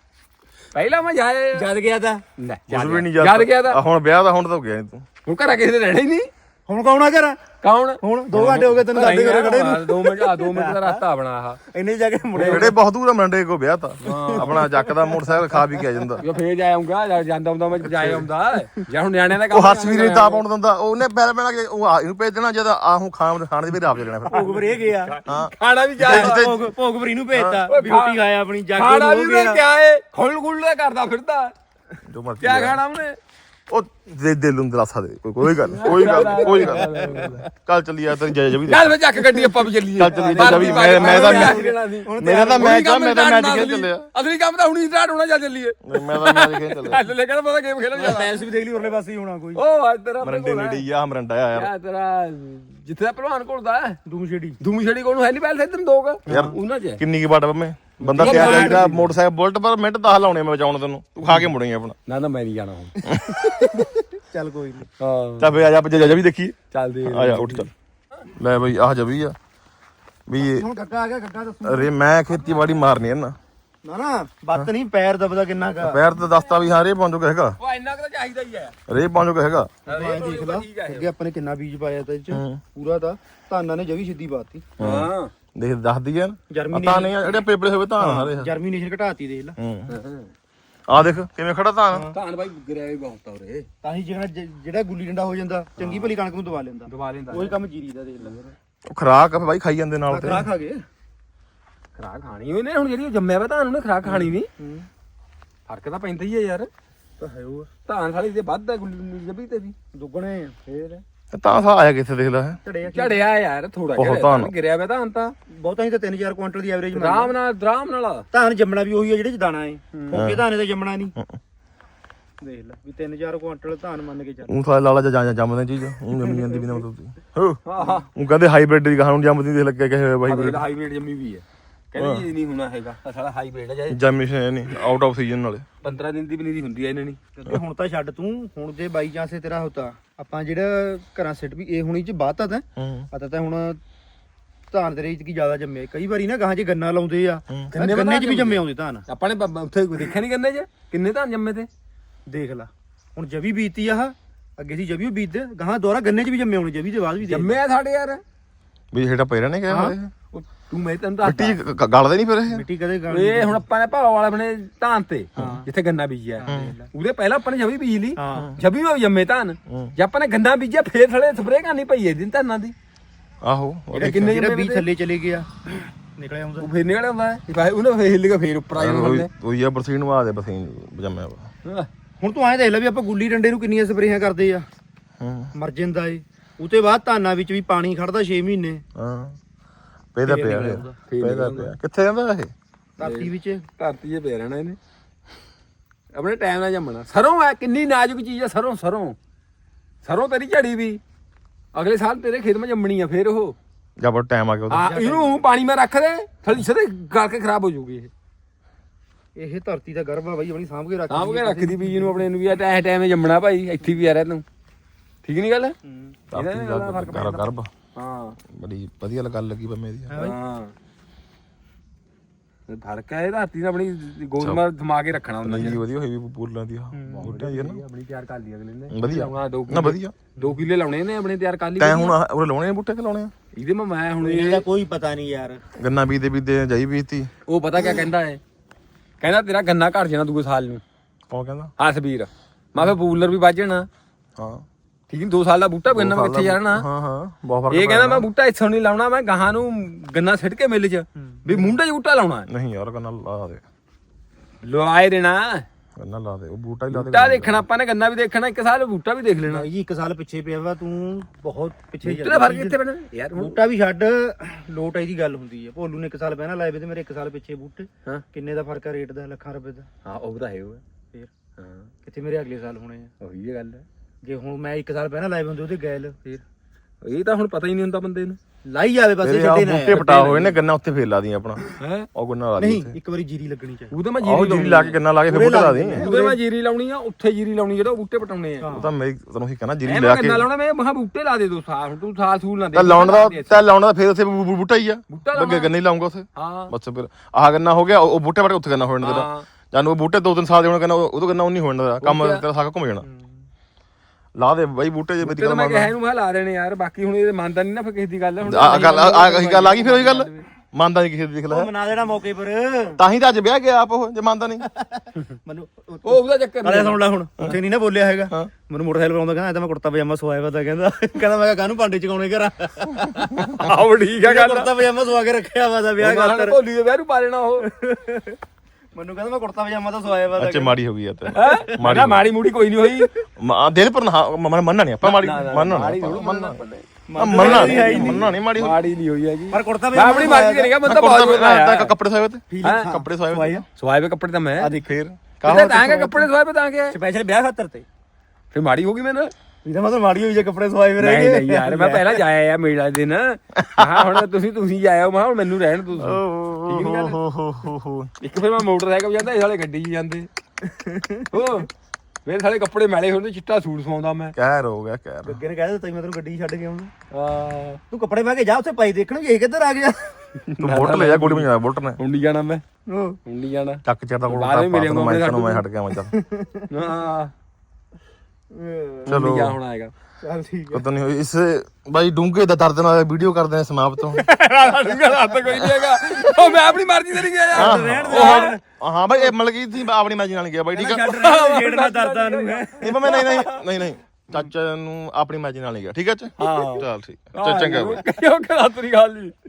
B: ਪਹਿਲਾਂ ਮੈਂ ਜਾਇਆ ਆ
C: ਜਦ ਗਿਆ ਤਾਂ
A: ਕੁਝ ਵੀ ਨਹੀਂ
B: ਯਾਦ ਗਿਆ ਤਾਂ
A: ਆ ਹੁਣ ਵਿਆਹ ਦਾ ਹੁਣ ਤਾਂ ਗਿਆ ਨੀ ਤੂੰ
B: ਹੁਣ ਘਰਾਂ ਕਿਸੇ ਦੇ ਰਹਿਣਾ ਹੀ ਨਹੀਂ
C: ਹੁਣ ਕੌਣ ਆ ਘਰ
B: ਕੌਣ
C: ਹੁਣ ਦੋ ਘੰਟੇ ਹੋ ਗਏ ਤੈਨੂੰ ਸਾਡੇ ਘਰੇ ਖੜੇ ਨੂੰ
B: ਦੋ ਮਿੰਟ ਆ ਦੋ ਮਿੰਟ ਦਾ ਰਸਤਾ ਆਪਣਾ ਆਹ
C: ਇੰਨੇ ਜਾ ਕੇ ਮੁੜੇ
A: ਜਿਹੜੇ ਬਹੁਤ ਦੂਰ ਆ ਮੰਡੇ ਕੋ ਵਿਆਹ ਤਾਂ ਆਪਣਾ ਜੱਕ ਦਾ ਮੋਟਰਸਾਈਕਲ ਖਾ ਵੀ ਕੇ ਆ ਜਾਂਦਾ
B: ਜੋ ਫੇਰ ਜਾ ਆਉਂਗਾ ਜਾਂਦਾ ਹੁੰਦਾ ਮੈਂ ਜਾਇਆ ਆਉਂਦਾ ਜਾਂ ਹੁਣ ਨਿਆਣਿਆਂ ਦਾ
A: ਉਹ
B: ਕੰਮ
A: ਹੱਸ ਵੀ ਨਹੀਂ ਤਾਂ ਪਾਉਣ ਦਿੰਦਾ ਉਹਨੇ ਪਹਿਲਾਂ ਪਹਿਲਾਂ ਉਹ ਆ- ਇਹਨੂੰ ਭੇਜ ਦੇਣਾ ਜਦ ਆਹੂ ਖਾਣ ਖਾਣ ਦੇ ਵੀ ਆਪ ਚੱਲਣਾ ਫਿਰ
C: ਭੋਗ ਪਰ ਇਹ ਗਿਆ
A: ਹਾਂ
B: ਖਾਣਾ ਵੀ ਜਾਇਆ
C: ਭੋਗ ਭੋਗ ਪਰ ਇਹਨੂੰ ਭੇਜਤਾ
B: ਓਏ
C: ਵੀ ਰੋਟੀ ਖਾਇਆ ਆਪਣੀ ਜਾ ਕੇ
B: ਖਾਣਾ
C: ਹੋ
B: ਵੀ
C: ਗਿਆ
B: ਕਿਆ ਏ ਖੁੱਲ ਖੁੱਲ ਦਾ ਕਰਦਾ ਫਿਰਦਾ
A: ਜੋ ਮਰਜ਼ੀ
B: ਕਿਆ ਖਾਣਾ ਉਹਨੇ
A: ਉਹ ਦੇ ਦਿਲ ਨੂੰ ਦਲਾਸਾ ਦੇ ਕੋਈ ਕੋਈ ਗੱਲ ਕੋਈ ਗੱਲ ਕੋਈ ਗੱਲ ਕੱਲ ਚੱਲੀ ਆ ਤੇਰੀ ਜੈ ਜਬੀ
B: ਚੱਲ ਵੇ ਚੱਕ ਗੱਡੀ ਆਪਾਂ ਵੀ ਚੱਲੀਏ
A: ਚੱਲ ਚੱਲੀਏ, ਚੱਲ ਵੀ ਮੈਂ- ਮੈਂ ਤਾਂ- ਮੇਰਾ ਤਾਂ ਮੈਚ ਆ ਮੈਂ ਤਾਂ ਮੈਚ ਖੇਡ ਚੱਲਿਆ
B: ਅਸਲੀ ਕੰਮ ਤਾਂ ਹੁਣੀ ਸਟਾਰਟ ਹੋਣਾ ਚੱਲ ਚੱਲੀਏ
A: ਨਹੀਂ, ਮੈਂ ਤਾਂ ਮੈਚ ਖੇਡ ਚੱਲਿਆ
B: ਚੱਲ ਲੈ ਕਹਿੰਦਾ ਪਤਾ ਗੇਮ ਖੇਡਣ ਜਾਣਾ
C: ਪੈਲਸ ਵੀ ਦੇਖ ਲਈ ਉਰਲੇ ਪਾਸੇ ਹੀ ਹੋਣਾ ਕੋਈ
B: ਉਹ ਅੱਜ ਤੇਰਾ
A: ਮਰੰਡੇ ਨੇੜੇ ਹੀ ਆ ਮਰੰਡਾ ਆ ਯਾਰ
B: ਯਾਰ ਤੇਰਾ ਜਿੱਥੇ ਦਾ ਪਹਿਲਵਾਨ ਕੋਲਦਾ
C: ਦੂਮ ਛੇੜੀ
B: ਦੂਮੀ ਛੜੀ ਕੋਲ ਨੂੰ ਹੈ ਨਹੀਂ ਪਹਿਲ ਇਧਰ ਦੋਗਾ
A: ਯਾਰ
B: ਉਹਨਾਂ 'ਚ ਹੈ।
A: ਕਿੰਨੀ ਕੀ ਬਾਟ ਬੰਮੇ ਬੰਦਾ ਤਿਆਰ ਚਾਹੀਦਾ ਮੋਟਰਸਾਈਕਲ ਬੁਲਟ ਪਰ ਮਿੰਟ ਦਸ ਲਾਉਣੇ ਮੈਂ ਬਚਾਉਣ ਤੈਨੂੰ ਤੂੰ ਖਾ ਕੇ ਮੁੜੇਂਗੇ ਆਪਣਾ
B: ਨਾ ਨਾ ਮੈਂ ਨਹੀਂ ਜਾਣਾ ਹੁਣ
C: ਚੱਲ ਕੋਈ ਨਹੀਂ
B: ਹਾਂ
A: ਚੱਲ ਫੇ ਆ ਜਾ ਜੈ ਜਬੀ ਦੇਖੀ
B: ਚੱਲ ਦੇ
A: ਆ ਜਾ ਉੱਠ ਚੱਲ ਲੈ ਬਈ ਆਹ ਜਬੀ ਆ ਵੀ ਇਹ-
C: ਹੁਣ ਗੱਗਾ ਆ ਗਿਆ ਗੱਗਾ ਦੱਸੂ
A: ਅਰੇ ਮੈਂ ਖੇਤੀਬਾੜੀ ਮਾਰਨੀ ਹੈ ਨਾ
C: ਨਾ ਨਾ ਬੱਤ ਨਹੀਂ ਪੈਰ ਦਬਦਾ ਕਿੰਨਾ ਕਾ
A: ਪੈਰ ਤੇ ਦੱਸਤਾ ਵੀ ਹਾਂ ਰੇ ਪਹੁੰਚੋ ਹੈਗਾ
B: ਉਹ ਇੰਨਾ ਕੁ ਤਾਂ ਚਾਹੀਦਾ ਹੀ ਹੈ
A: ਰੇ ਪਹੁੰਚੋ ਹੈਗਾ
C: ਦੇਖ ਲਾ ਅੱਗੇ ਆਪਾਂ ਨੇ ਕਿੰਨਾ ਬੀਜ ਪਾਇਆ ਤਾਂ ਇਹ ਚ ਪੂਰਾ ਤਾਂ ਧਾਨਾਂ ਨੇ ਜਵੀ ਸਿੱਧੀ ਬਾਤੀ
B: ਹਾਂ
A: ਦੇਖ ਦੱਸਦੀ ਆ
C: ਜਰਮਨੀ
A: ਤਾਂ ਨਹੀਂ ਆ, ਜਿਹੜੇ ਪੇਪਰ ਹੋਵੇ ਤਾਂ ਸਾਰੇ
C: ਜਰਮੀਨੇਸ਼ਨ ਘਟਾਤੀ ਦੇਖ ਲਾ
A: ਹੂੰ ਆ ਦੇਖ ਕਿਵੇਂ ਖੜਾ ਤਾਂ
B: ਧਾਨ ਬਾਈ ਗਿਰਿਆ ਵੀ ਬਹੁਤ ਆ ਉਰੇ
C: ਤਾਂ ਹੀ ਜਿਹੜਾ ਜਿਹੜਾ ਗੁੱਲੀ ਡੰਡਾ ਹੋ ਜਾਂਦਾ ਚੰਗੀ ਭਲੀ ਕਣਕ ਨੂੰ ਦਬਾ ਲੈਂਦਾ
B: ਦਬਾ ਲੈਂਦਾ
C: ਉਹੀ ਕੰਮ ਜੀਰੀ ਦਾ ਦੇਖ ਲੈ
A: ਉਹ ਖਰਾਕ ਆ ਬਾਈ ਖਾਈ ਜਾਂਦੇ ਨਾਲ ਤੇ
C: ਖਰਾ ਖਾ ਗਏ
B: ਖਰਾਕ ਖਾਣੀ ਉਹਨੇ ਹੁਣ ਜਿਹੜੀ ਉਹ ਜੰਮਿਆ ਵਾ ਧਾਨ ਉਹਨੇ ਖਰਾਕ ਖਾਣੀ ਨਹੀਂ
C: ਹੂੰ
B: ਫਰਕ ਤਾਂ ਪੈਂਦਾ ਹੀ ਹੈ ਯਾਰ
C: ਤਾਂ ਹੈ ਉਹ
B: ਧਾਨ ਸਾਲੀ ਤੇ ਵੱਧ ਹੈ ਗੁੱਲੀ ਜੱਬੀ ਤੇ ਵੀ
C: ਦੁੱਗਣੇ ਫੇਰ
A: ਤਾਂ ਸਾ ਆਇਆ ਕਿੱਥੇ ਦੇਖ ਲੈ ਹੈ
C: ਝੜੇ ਆ
B: ਝੜਿਆ ਯਾਰ ਥੋੜਾ
A: ਬਹੁਤ
B: ਜਿਹਾ
A: ਧਾਨ।
B: ਗਿਰਿਆ ਵਾ ਧਾਨ ਤਾਂ
C: ਬਹੁਤਾਂ ਹੀ ਤਾਂ ਤਿੰਨ ਹਜ਼ਾਰ ਕੁਇੰਟਲ ਦੀ ਐਵਰੇਜ
B: ਆਰਾਮ ਨਾਲ ਆਰਾਮ ਨਾਲ
C: ਧਾਨ ਜੰਮਣਾ ਵੀ ਉਹੀ ਹੈ ਜਿਹੜੇ ਚ ਦਾਣਾ ਹੈ ਫੋਕੇ ਧਾਨੇ ਦਾ ਜੰਮਣਾ ਨਹੀਂ ਦੇਖ ਲੈ ਵੀ ਤਿੰਨ ਹਜ਼ਾਰ ਕੁਇੰਟਲ ਧਾਨ ਮੰਨ ਕੇ ਚੱਲ
A: ਉਹ ਸਾਲਾ ਲਾਲਾ ਜਾਂ ਜਾਂ ਜੰਮਦੇ ਚੀਜ਼ ਉਹ ਜੰਮੀ ਜਾਂਦੀ ਵੀ ਨਾ ਮਤਲਬ ਹੋ
B: ਹਾਂ ਹਾਂ
A: ਉਹ ਕਹਿੰਦੇ ਹਾਈਬ੍ਰਿਡ ਦੀ ਕਹਾਂ ਨੂੰ ਜੰਮਦੀ ਦੇਖ ਲੱਗੇ ਕਹੇ ਹੋਏ ਬਾਈ
B: ਹਾਈਬ੍ਰਿਡ ਜੰਮੀ ਵੀ ਹੈ ਕਹਿੰਦੇ ਇਹ ਨਹੀਂ ਹੋਣਾ ਹੈਗਾ ਆਹ ਸਾਲਾ ਹਾਈਬ੍ਰਿਡ ਹੈ ਜਾਏ
A: ਜੰਮਿਸ਼ਨ ਨਹੀਂ ਆਊਟ ਆਫ ਸੀਜ਼ਨ ਨਾਲੇ
B: ਪੰਦਰਾਂ ਦਿਨ ਦੀ ਵੀ ਨਹੀਂ ਹੁੰਦੀ ਐ ਇਹਨਾਂ ਨਹੀਂ
C: ਤੇ ਹੁਣ ਤਾਂ ਛੱਡ ਤੂੰ ਹੁਣ ਜੇ ਬਾਈ ਚਾਂਸ ਤੇਰਾ ਹੁੰਦਾ ਆਪਾਂ ਜਿਹੜਾ ਘਰਾਂ ਸਿੱਟ ਵੀ ਇਹ ਹੁਣੀ ਚ ਬਾਤ ਤਾਂ
A: ਹੂੰ
C: ਪਤਾ ਤਾਂ ਹੁਣ ਧਾਨ ਦੇ ਰੇਜ ਕੀ ਜ਼ਿਆਦਾ ਜੰਮੇ ਕਈ ਵਾਰੀ ਨਾ ਗਾਂ 'ਚ ਗੰਨਾ ਲਾਉਂਦੇ ਆ
B: ਗੰਨੇ
C: ਗੰਨੇ 'ਚ ਵੀ ਜੰਮੇ ਆਉਂਦੇ ਧਾਨ
B: ਆਪਾਂ ਨੇ ਬ- ਬ- ਉੱਥੇ ਦੇਖਿਆ ਨਹੀਂ ਗੰਨੇ 'ਚ ਕਿੰਨੇ ਧਾਨ ਜੰਮੇ ਤੇ
C: ਦੇਖ ਲਾ ਹੁਣ ਜਵੀ ਬੀਤੀ ਆਹ ਅੱਗੇ ਸੀ ਜਵੀ ਬੀਤਦੇ ਗਾਂ ਦੁਆਰਾ ਗੰਨੇ 'ਚ ਵੀ ਜੰਮੇ ਆਉਣੇ ਜਵੀ ਦੇ ਬਾਅਦ ਵੀ ਦੇਖ
B: ਜੰਮੇ ਆ ਸਾਡੇ ਯਾਰ
A: ਵੀ ਹੇਠਾਂ ਪੈ ਰਹੇ ਨੇ ਕਿਹਾ
B: ਉਹ ਤੂੰ ਮੈਂ ਤੈਨੂੰ ਦੱਸਦਾ
A: ਮਿੱਟੀ ਚ ਗ- ਗਲਦੇ ਨਹੀਂ ਫਿਰ ਇਹ
C: ਮਿੱਟੀ ਕਦੇ ਗਾਂ
B: ਇਹ ਹੁਣ ਆਪਾਂ ਨੇ ਭਾਵਾ ਵਾਲੇ ਬਣੇ ਧਾਨ ਤੇ ਜਿੱਥੇ ਗੰਨਾ ਬੀਜਿਆ ਉਹਦੇ ਪਹਿਲਾਂ ਆਪਾਂ ਨੇ ਜਵੀ ਬੀਜ ਲਈ
C: ਹਾਂ
B: ਜਵੀ ਉਹ ਜੰਮੇ ਧਾਨ ਜੇ ਆਪਾਂ ਨੇ ਗੰਨਾ ਬੀਜਿਆ ਫੇਰ ਥਲੇ ਸਪਰੇਅ ਕਰਨੀ ਪਈ ਇਹ ਦਿਨ ਧਾਨਾਂ ਦੀ
A: ਆਹੋ
B: ਜਿਹੜੇ ਕਿੰਨੇ
C: ਜਿਹੜਾ
B: ਜੰਮੇ
C: ਬੀਜ ਥੱਲੇ ਚਲੇ ਗਿਆ ਨਿਕਲਿਆ ਆਉਂਦਾ
B: ਉਹ ਫੇਰ ਨਿਕਲ ਆਉਂਦਾ ਹੈ ਭਾਈ ਉਹਨੇ ਫੇਰ ਹਿੱਲ ਕੇ ਫੇਰ ਉੱਪਰ ਆ ਜਾਂਦਾ ਬੰਦੇ
A: ਉਹੀ ਆ ਬਰਸੀਨ ਨੂੰ ਆ ਦੇ ਬਰਸੀਨ ਜੰਮਿਆ ਵਾ
C: ਹੁਣ ਤੂੰ ਐਂ ਦੇਖ ਲੈ ਵੀ ਆਪਾਂ ਗੁੱਲੀ ਡੰਡੇ ਨੂੰ ਕਿੰਨੀਆਂ ਸਪਰੇਆਂ ਕਰਦੇ ਆ
A: ਹੂੰ
C: ਮਰ ਜਾਂਦਾ ਏ ਉਤੇ ਬਾਅਦ ਧਾਨਾਂ ਵਿੱਚ ਵੀ ਪਾਣੀ ਖੜਦਾ ਛੇ ਮਹੀਨੇ
A: ਹਾਂ ਪੈਦਾ ਪਿਆ ਇਹ ਪੈਦਾ ਪਿਆ ਕਿੱਥੇ ਜਾਂਦਾ ਇਹ
C: ਧਰਤੀ ਵਿੱਚ
B: ਧਰਤੀ 'ਚ ਪਿਆ ਰਹਿਣਾ ਇਹਨੇ ਆਪਣੇ ਟਾਈਮ ਨਾਲ ਜੰਮਣਾ ਸਰੋਂ ਹੈ ਕਿੰਨੀ ਨਾਜ਼ੁਕ ਚੀਜ਼ ਹੈ ਸਰੋਂ ਸਰੋਂ ਸਰੋਂ ਤੇਰੀ ਝੜੀ ਵੀ ਅਗਲੇ ਸਾਲ ਤੇਰੇ ਖੇਤ 'ਚ ਜੰਮਣੀ ਆ ਫੇਰ ਉਹ
A: ਜਾਂ ਬੜਾ ਟਾਈਮ ਆ ਗਿਆ ਉਹਦਾ
B: ਆ ਇਹਨੂੰ ਪਾਣੀ ਮੈਂ ਰੱਖ ਦੇ ਥਲੀ ਸਦੇ ਗਲ ਕੇ ਖਰਾਬ ਹੋ ਜੂਗੀ ਇਹ
C: ਇਹ ਧਰਤੀ ਦਾ ਗਰਭ ਆ ਬਾਈ ਆਪਣੀ ਸਾਂਭ ਕੇ ਰੱਖ
B: ਸਾਂਭ ਕੇ ਰੱਖਦੀ ਬੀਜ ਨੂੰ ਆਪਣੇ ਨੂੰ ਵੀ ਆ ਟਾਈਮ ਟਾਈਮ ਜੰਮਣਾ ਭਾਈ ਇੱਥੇ ਵੀ ਆ ਰਿਹਾ ਤੂੰ ਠੀਕ ਨਹੀਂ ਗੱਲ ਇਹਦਾ ਨੀ ਗੱਲ ਦਾ ਫਰਕ
A: ਕਰ ਕਰਬ
B: ਹਾਂ
A: ਬੜੀ ਵਧੀਆ ਗੱਲ ਲੱਗੀ ਬੰਮੇ ਦੀ
B: ਹਾਂ ਫਰਕ ਹੈ ਇਹ ਧਰਤੀ ਨਾਲ ਆਪਣੀ ਗੋਦਮਾ ਥਮਾ ਕੇ ਰੱਖਣਾ ਹੁੰਦਾ
A: ਨਹੀਂ ਵਧੀਆ ਹੋਈ ਵੀ ਪੂਲਾਂ ਦੀ ਆ ਬੂਟਿਆਂ ਦੀ ਆ ਨਾ
B: ਆਪਣੀ ਤਿਆਰ ਕਰ ਲਈ ਅਗਲੇ ਨੇ
A: ਵਧੀਆ
B: ਲਾਉਣਾ ਦੋ
A: ਨਾ ਵਧੀਆ
B: ਦੋ ਕਿੱਲੇ ਲਾਉਣੇ ਨੇ ਆਪਣੇ ਤਿਆਰ ਕਰ ਲਈ
A: ਤੈਂ ਹੁਣ ਉਹ ਲਾਉਣੇ ਆ ਬੂਟੇ ਕਿ ਲਾਉਣੇ ਆ
B: ਇਹਦੇ ਮੈਂ ਮੈਂ ਹੁਣ
C: ਇਹਦਾ ਕੋਈ ਪਤਾ ਨਹੀਂ ਯਾਰ
A: ਗੰਨਾ ਬੀਜਦੇ ਬੀਜਦੇ ਜਾਈ ਬੀਜਤੀ
B: ਉਹ ਪਤਾ ਕਿਆ ਕਹਿੰਦਾ ਹੈ ਕਹਿੰਦਾ ਤੇਰਾ ਗੰਨਾ ਘਟ ਜਾਣਾ ਦੂਏ ਸਾਲ ਨੂੰ
A: ਕੌਣ ਕਹਿੰਦਾ
B: ਹਾਂ ਸਬੀਰ ਮੈਂ ਫੇ ਬੂਲਰ ਵੀ ਵੱਜ ਜਾਣਾ
A: ਹਾਂ
B: ਠੀਕ ਨਹੀਂ ਦੋ ਸਾਲ ਦਾ ਬੂਟਾ ਗੰਨਾ ਮੈਂ ਕਿੱਥੇ ਜਾਣਾ
A: ਹਾਂ ਹਾਂ ਬਹੁਤ ਫਰਕ
B: ਇਹ ਕਹਿੰਦਾ ਮੈਂ ਬੂਟਾ ਇੱਥੋਂ ਨਹੀਂ ਲਾਉਣਾ ਮੈਂ ਗਾਹਾਂ ਨੂੰ ਗੰਨਾ ਸਿੱਟ ਕੇ ਮਿਲ ਚ ਵੀ ਮੁੰਡੇ 'ਚ ਬੂਟਾ ਲਾਉਣਾ
A: ਨਹੀਂ ਯਾਰ ਗੰਨਾ ਲਾ ਦੇ
B: ਲਵਾਏ ਦੇਣਾ
A: ਗੰਨਾ ਲਾ ਦੇ ਉਹ ਬੂਟਾ ਹੀ ਲਾ ਦੇ
B: ਬੂਟਾ ਦੇਖਣਾ ਆਪਾਂ ਨੇ ਗੰਨਾ ਵੀ ਦੇਖਣਾ ਇੱਕ ਸਾਲ ਬੂਟਾ ਵੀ ਦੇਖ ਲੈਣਾ
C: ਜੀ ਇੱਕ ਸਾਲ ਪਿੱਛੇ ਪਿਆ ਵਾ ਤੂੰ ਬਹੁਤ ਪਿੱਛੇ
B: ਬੂਟੇ ਦਾ ਫਰਕ ਕਿੱਥੇ ਪੈਣਾ ਯਾਰ ਹੁਣ
C: ਬੂਟਾ ਵੀ ਛੱਡ ਲੋਟ ਆਈ ਦੀ ਗੱਲ ਹੁੰਦੀ ਹੈ ਭੋਲੂ ਨੇ ਇੱਕ ਸਾਲ ਪਹਿਲਾਂ ਲਾਏ ਵੇ ਤੇ ਮੇਰੇ ਇੱਕ ਸਾਲ ਪਿੱਛੇ ਬੂਟੇ
B: ਹਾਂ
C: ਕਿੰਨੇ ਦਾ ਫਰਕ ਆ ਰੇਟ ਦਾ ਲੱਖਾਂ ਰੁਪਏ ਦਾ
B: ਹਾਂ ਉਹ ਤਾਂ ਹੈ ਉਹ
C: ਫੇਰ
B: ਹਾਂ
C: ਕਿੱਥੇ ਮੇਰੇ ਅਗਲੇ ਸਾਲ ਹੋਣੇ ਆ
B: ਉਹੀ ਇਹ ਗੱਲ ਹੈ
C: ਜੇ ਹੁਣ ਮੈਂ ਇੱਕ ਸਾਲ ਪਹਿਲਾਂ ਲਾਏ ਹੁੰਦੇ ਉਹਦੇ ਗੈਲ ਫੇਰ
B: ਇਹ ਤਾਂ ਹੁਣ ਪਤਾ ਹੀ ਨਹੀਂ ਹੁੰਦਾ ਬੰਦੇ ਨੂੰ
C: ਲਾਈ ਜਾਵੇ ਬਸ
A: ਤੇਰੇ
C: ਛੱਡੇ
A: ਆ
C: ਨਾ
A: ਬੂਟੇ ਪਟਾ ਹੋਏ ਨੇ ਗੰਨਾ ਉੱਥੇ ਫੇਰ ਲਾ ਦੀ ਆਪਣਾ
B: ਹੈ
A: ਉਹ ਗੰਨਾ ਲਾ ਦੀ
C: ਨਹੀਂ ਇੱਕ ਵਾਰੀ ਜੀਰੀ ਲੱਗਣੀ ਚਾਹੀਦੀ
B: ਉਹਦੇ ਮੈਂ
A: ਉਹ
B: ਜੀਰੀ
A: ਜੀਰੀ ਲਾ ਕੇ ਗੰਨਾ ਲਾ ਕੇ ਫੇਰ ਬੂਟੇ ਲਾ ਦੀ
B: ਉਹਦੇ ਮੈਂ ਜੀਰੀ ਲਾਉਣੀ ਆ ਉੱਥੇ ਜੀਰੀ ਲਾਉਣੀ ਜਿਹੜਾ ਉਹ ਬੂਟੇ ਪਟਾਉਣੇ ਆ
A: ਉਹ ਤਾਂ ਮੇਰੀ ਤੈਨੂੰ ਹੀ ਕਹਿਣਾ ਜੀਰੀ
B: ਮੈਂ
A: ਲਾ ਕੇ
B: ਗੰਨਾ ਲਾਉਣਾ ਮੈਂ ਮਹਾ ਬੂਟੇ ਲਾ ਦੇ ਦੋ ਸਾਲ ਤੂੰ ਸਾਲ ਸੂਲ ਨਾ ਦੇ
A: ਤਾਂ ਲਾਉਣ ਦਾ ਤਾਂ ਲਾਉਣ ਦਾ ਫੇਰ ਉੱਥੇ ਬੂ- ਬੂ- ਬੂਟਾ ਹੀ ਆ
B: ਬੂਟਾ
A: ਅੱਗੇ ਗੰਨਾ ਹੀ ਲਾਉਂਗਾ ਉੱਥੇ
B: ਹਾਂ
A: ਬਸ ਫਿਰ ਆਹ ਗੰਨਾ ਹੋ ਗਿਆ ਉਹ ਬੂਟੇ ਵੜ ਕੇ ਉੱਥੇ ਗੰਨਾ ਹੋ ਜਾਣਾ ਤੇਰਾ
B: ਹਾਂ
A: ਜਾਨੂੰ ਉਹ ਬੂਟੇ ਦੋ ਤਿੰਨ ਸਾਲ ਦੇ ਹੋਣ ਗੰਨਾ ਉਹ ਤੋਂ ਗੰਨਾ ਉਹ ਨਹੀਂ ਹੋ ਜਾਂਦਾ ਕੰਮ ਤੇਰਾ ਸਾਰਾ ਘੁੰਮ ਜਾਣਾ ਲਾ ਦੇ ਬਾਈ ਬੂਟੇ ਜੇ ਮੇਰੀ
B: ਤੇ
A: ਗੱਲ
B: ਮੈਂ
A: ਮੰਨ
B: ਕਿਹਾ ਇਹਨੂੰ ਮੈਂ ਲਾ ਦੇਣੇ ਯਾਰ ਬਾਕੀ ਹੁਣ ਇਹ ਮੰਨਦਾ ਨਹੀਂ ਨਾ ਫਿਰ ਕਿਸੇ ਦੀ ਗੱਲ ਹੁਣ
A: ਆ ਗੱਲ ਆ ਉਹੀ ਗੱਲ ਆ ਗਈ ਫਿਰ ਉਹੀ ਗੱਲ ਮੰਨਦਾ ਨਹੀਂ ਕਿਸੇ ਦੀ ਦੇਖ ਲੈ
C: ਮਨਾ ਦੇਣਾ ਮੌਕੇ ਪਰ
A: ਤਾਂ ਹੀ ਤਾਂ ਅੱਜ ਵਿਆਹ ਗਿਆ ਆਪ ਉਹ ਜੇ ਮੰਨਦਾ ਨਹੀਂ
C: ਮੈਨੂੰ
B: ਉਹ ਉਹਦਾ ਚੱਕਰ
C: ਨਾਲੇ ਸੁਣ ਲੈ ਹੁਣ ਉੱਥੇ ਨਹੀਂ ਨਾ ਬੋਲਿਆ ਹੈਗਾ ਮੈਨੂੰ ਮੋਟਰਸਾਈਕਲ ਆਉਂਦਾ ਕਹਿੰਦਾ ਇਹ ਤਾਂ ਮੈਂ ਕੁੜਤਾ ਪਜਾਮਾ ਸਵਾਇਆ ਵਾ ਤਾਂ ਕਹਿੰਦਾ ਕਹਿੰਦਾ ਮੈਂ ਕਾਹਨੂੰ ਭਾਂਡੇ ਚਕਾਉਣੇ ਘਰਾਂ
B: ਆਹ ਠੀਕ ਆ ਗੱਲ
C: ਕੁੜਤਾ ਪਜਾਮਾ ਸਵਾ ਕੇ ਰੱਖਿਆ ਵਾ ਦਾ ਵਿਆਹ
B: ਗੱਲ
C: ਖਾਤਰ
B: ਭੋਲੀ ਦੇ ਵਿਆਹ ਨੂੰ ਪਾ ਲੈਣਾ ਉਹ
C: ਮੈਨੂੰ ਕਹਿੰਦਾ ਮੈਂ ਕੁੜਤਾ ਪਜਾਮਾ ਤਾਂ ਸਵਾਇਆ ਵਾ
A: ਅੱਛਾ ਮਾੜੀ ਹੋ ਗਈ ਆ ਤੇ
B: ਮਾੜੀ ਮਾੜੀ ਮੂੜੀ ਕੋਈ ਨਹੀਂ ਹੋਈ
A: ਮਾ- ਦਿਲ ਪਰ ਨਾ- ਮ- ਮੰਨਣਾ ਨਹੀਂ ਆਪਾਂ ਮਾੜੀ ਮੰਨਣਾ
B: ਮਾੜੀ
A: ਨਹੀਂ
B: ਥੋੜ੍ਹੀ
A: ਮੰਨਣਾ
B: ਮੰਨਣਾ
A: ਮੰਨਣਾ ਨਹੀਂ ਮੰਨਣਾ ਨਹੀਂ ਮਾੜੀ
B: ਮਾੜੀ ਨਹੀਂ ਹੋਈ ਹੈਗੀ
C: ਪਰ ਕੁੜਤਾ
B: ਮੈਂ ਆਪਣੀ ਮਰਜ਼ੀ ਕਰੇਗਾ ਮੈਂ ਤਾਂ ਬਹੁਤ
A: ਕੱਪੜੇ
B: ਬੋਲਦਾ
A: ਕੱਪੜੇ ਸਵਾਏ ਤੇ
B: ਹੈਂ?
A: ਕੱਪੜੇ ਸਵਾਏ ਤੇ
B: ਸਵਾਏ ਵੇ ਕੱਪੜੇ ਤਾਂ ਮੈਂ
A: ਆ ਦੇਖ ਫੇਰ
B: ਕਾਹਦੇ ਤਾਂ ਕਿ ਕੱਪੜੇ ਸਵਾਏ ਵੇ ਤਾਂ ਕਿ
C: ਸਪੈਸ਼ਲ ਵਿਆਹ ਖਾਤਰ ਤੇ
B: ਫਿਰ ਮਾੜੀ ਹੋ ਗਈ ਮੈਨੂੰ
C: ਇਹਦਾ ਮਤਲਬ ਮਾੜੀ ਹੋਈ ਜੇ ਕੱਪੜੇ ਸਵਾਏ ਵੇ
B: ਨਹੀਂ ਨਹੀਂ ਯਾਰ ਮੈਂ ਪਹਿਲਾਂ ਜਾਇਆ ਆ ਮੇਲਾ ਦਿਨ ਹਾਂ ਹੁਣ ਤੁਸੀਂ ਤੁਸੀਂ ਜਾਇਓ ਮੈਂ ਹੁਣ ਮੈਨੂੰ ਰਹਿਣ ਤੁਸੀਂ ਠੀਕ ਨਹੀਂ ਗੱਲ
A: ਹੋ ਹੋ ਹੋ ਹੋ
B: ਇੱਕ ਫਿਰ ਮੈਂ ਮੋਟਰਸਾਈਕਲ ਜਾਂਦਾ ਇਹ ਸਾਲੇ ਗੱਡੀ 'ਚ ਜਾਂਦੇ ਹੋ ਮੇਰੇ ਸਾਲੇ ਕੱਪੜੇ ਮੈਲੇ ਹੁੰਦੇ ਚਿੱਟਾ ਸੂਟ ਸਵਾਉਂਦਾ ਮੈਂ
A: ਕਹਿਰ ਹੋ ਗਿਆ ਕਹਿਰ
C: ਅੱਗੇ ਨੇ ਕਹਿ ਦਿੱਤਾ ਮੈਂ ਤੈਨੂੰ ਗੱਡੀ 'ਚ ਛੱਡ ਕੇ ਆਉਣਾ
B: ਆ
C: ਤੂੰ ਕੱਪੜੇ ਪਾ ਕੇ ਜਾ ਉੱਥੇ ਪਾਈ ਦੇਖਣਗੇ ਇਹ ਕਿੱਧਰ ਆ ਗਿਆ
A: ਤੂੰ ਬੁਲਟ ਲੈ ਜਾ ਗੋਲੀ ਮਜਾ ਬੁਲਟ ਨੇ
B: ਹੁਣ ਨਹੀਂ ਜਾਣਾ ਮੈਂ
C: ਉਹ
B: ਹੁਣ ਨਹੀਂ ਜਾਣਾ
A: ਚੱਕ ਚਿਰ ਦਾ ਕੋਲ
B: ਬਾਅਦ ਵਿੱਚ ਮਿਲੇ
A: ਮੈਂ
B: ਹੋਣਗੇ
A: ਤੈਨੂੰ ਮੈਂ ਛੱਡ ਕੇ ਆਵਾਂ ਚੱਲ
B: ਹਾਂ
A: ਚਲੋ
B: ਕੀ ਹੁਣ ਆਏਗਾ
C: ਚੱਲ ਠੀਕ
A: ਪਤਾ ਨਹੀਂ ਹੋਈ ਇਸ ਬਾਈ ਡੂੰਘੇ ਦਾ ਦਰਦ ਨਾਲ ਵੀਡੀਓ ਕਰਦੇ ਨੇ ਸਮਾਪਤ ਹੋ
B: ਰਾਤ ਕੋਈ ਨਹੀਂ ਹੈਗਾ ਉਹ ਮੈਂ ਆਪਣੀ ਮਰਜ਼ੀ ਤੇ ਨਹੀਂ ਗਿਆ ਯਾਰ
A: ਹਾਂ ਹਾਂ ਬਾਈ ਇਹ ਮਤਲਬ ਕਿ ਤੁਸੀਂ ਆਪਣੀ ਮਰਜ਼ੀ ਨਾਲ ਗਿਆ ਬਾਈ ਠੀਕ ਆ
C: ਛੱਡ ਰਿਹਾ ਛੇੜਨਾ ਦਰਦਾਂ ਨੂੰ ਹੈ
A: ਨਹੀਂ ਮੈਂ ਨਹੀਂ ਨਹੀਂ ਨਹੀਂ ਨਹੀਂ ਚਾਚਾ ਨੂੰ ਆਪਣੀ ਮਰਜ਼ੀ ਨਾਲ ਹੀ ਗਿਆ ਠੀਕ ਆ ਚ
B: ਹਾਂ
A: ਚੱਲ ਠੀਕ ਆ। ਚੱਲ ਚੰਗਾ ਬਾਈ
B: ਕਿਉਂ ਕਰਾ ਤੇਰੀ ਗੱਲ ਨਹੀਂ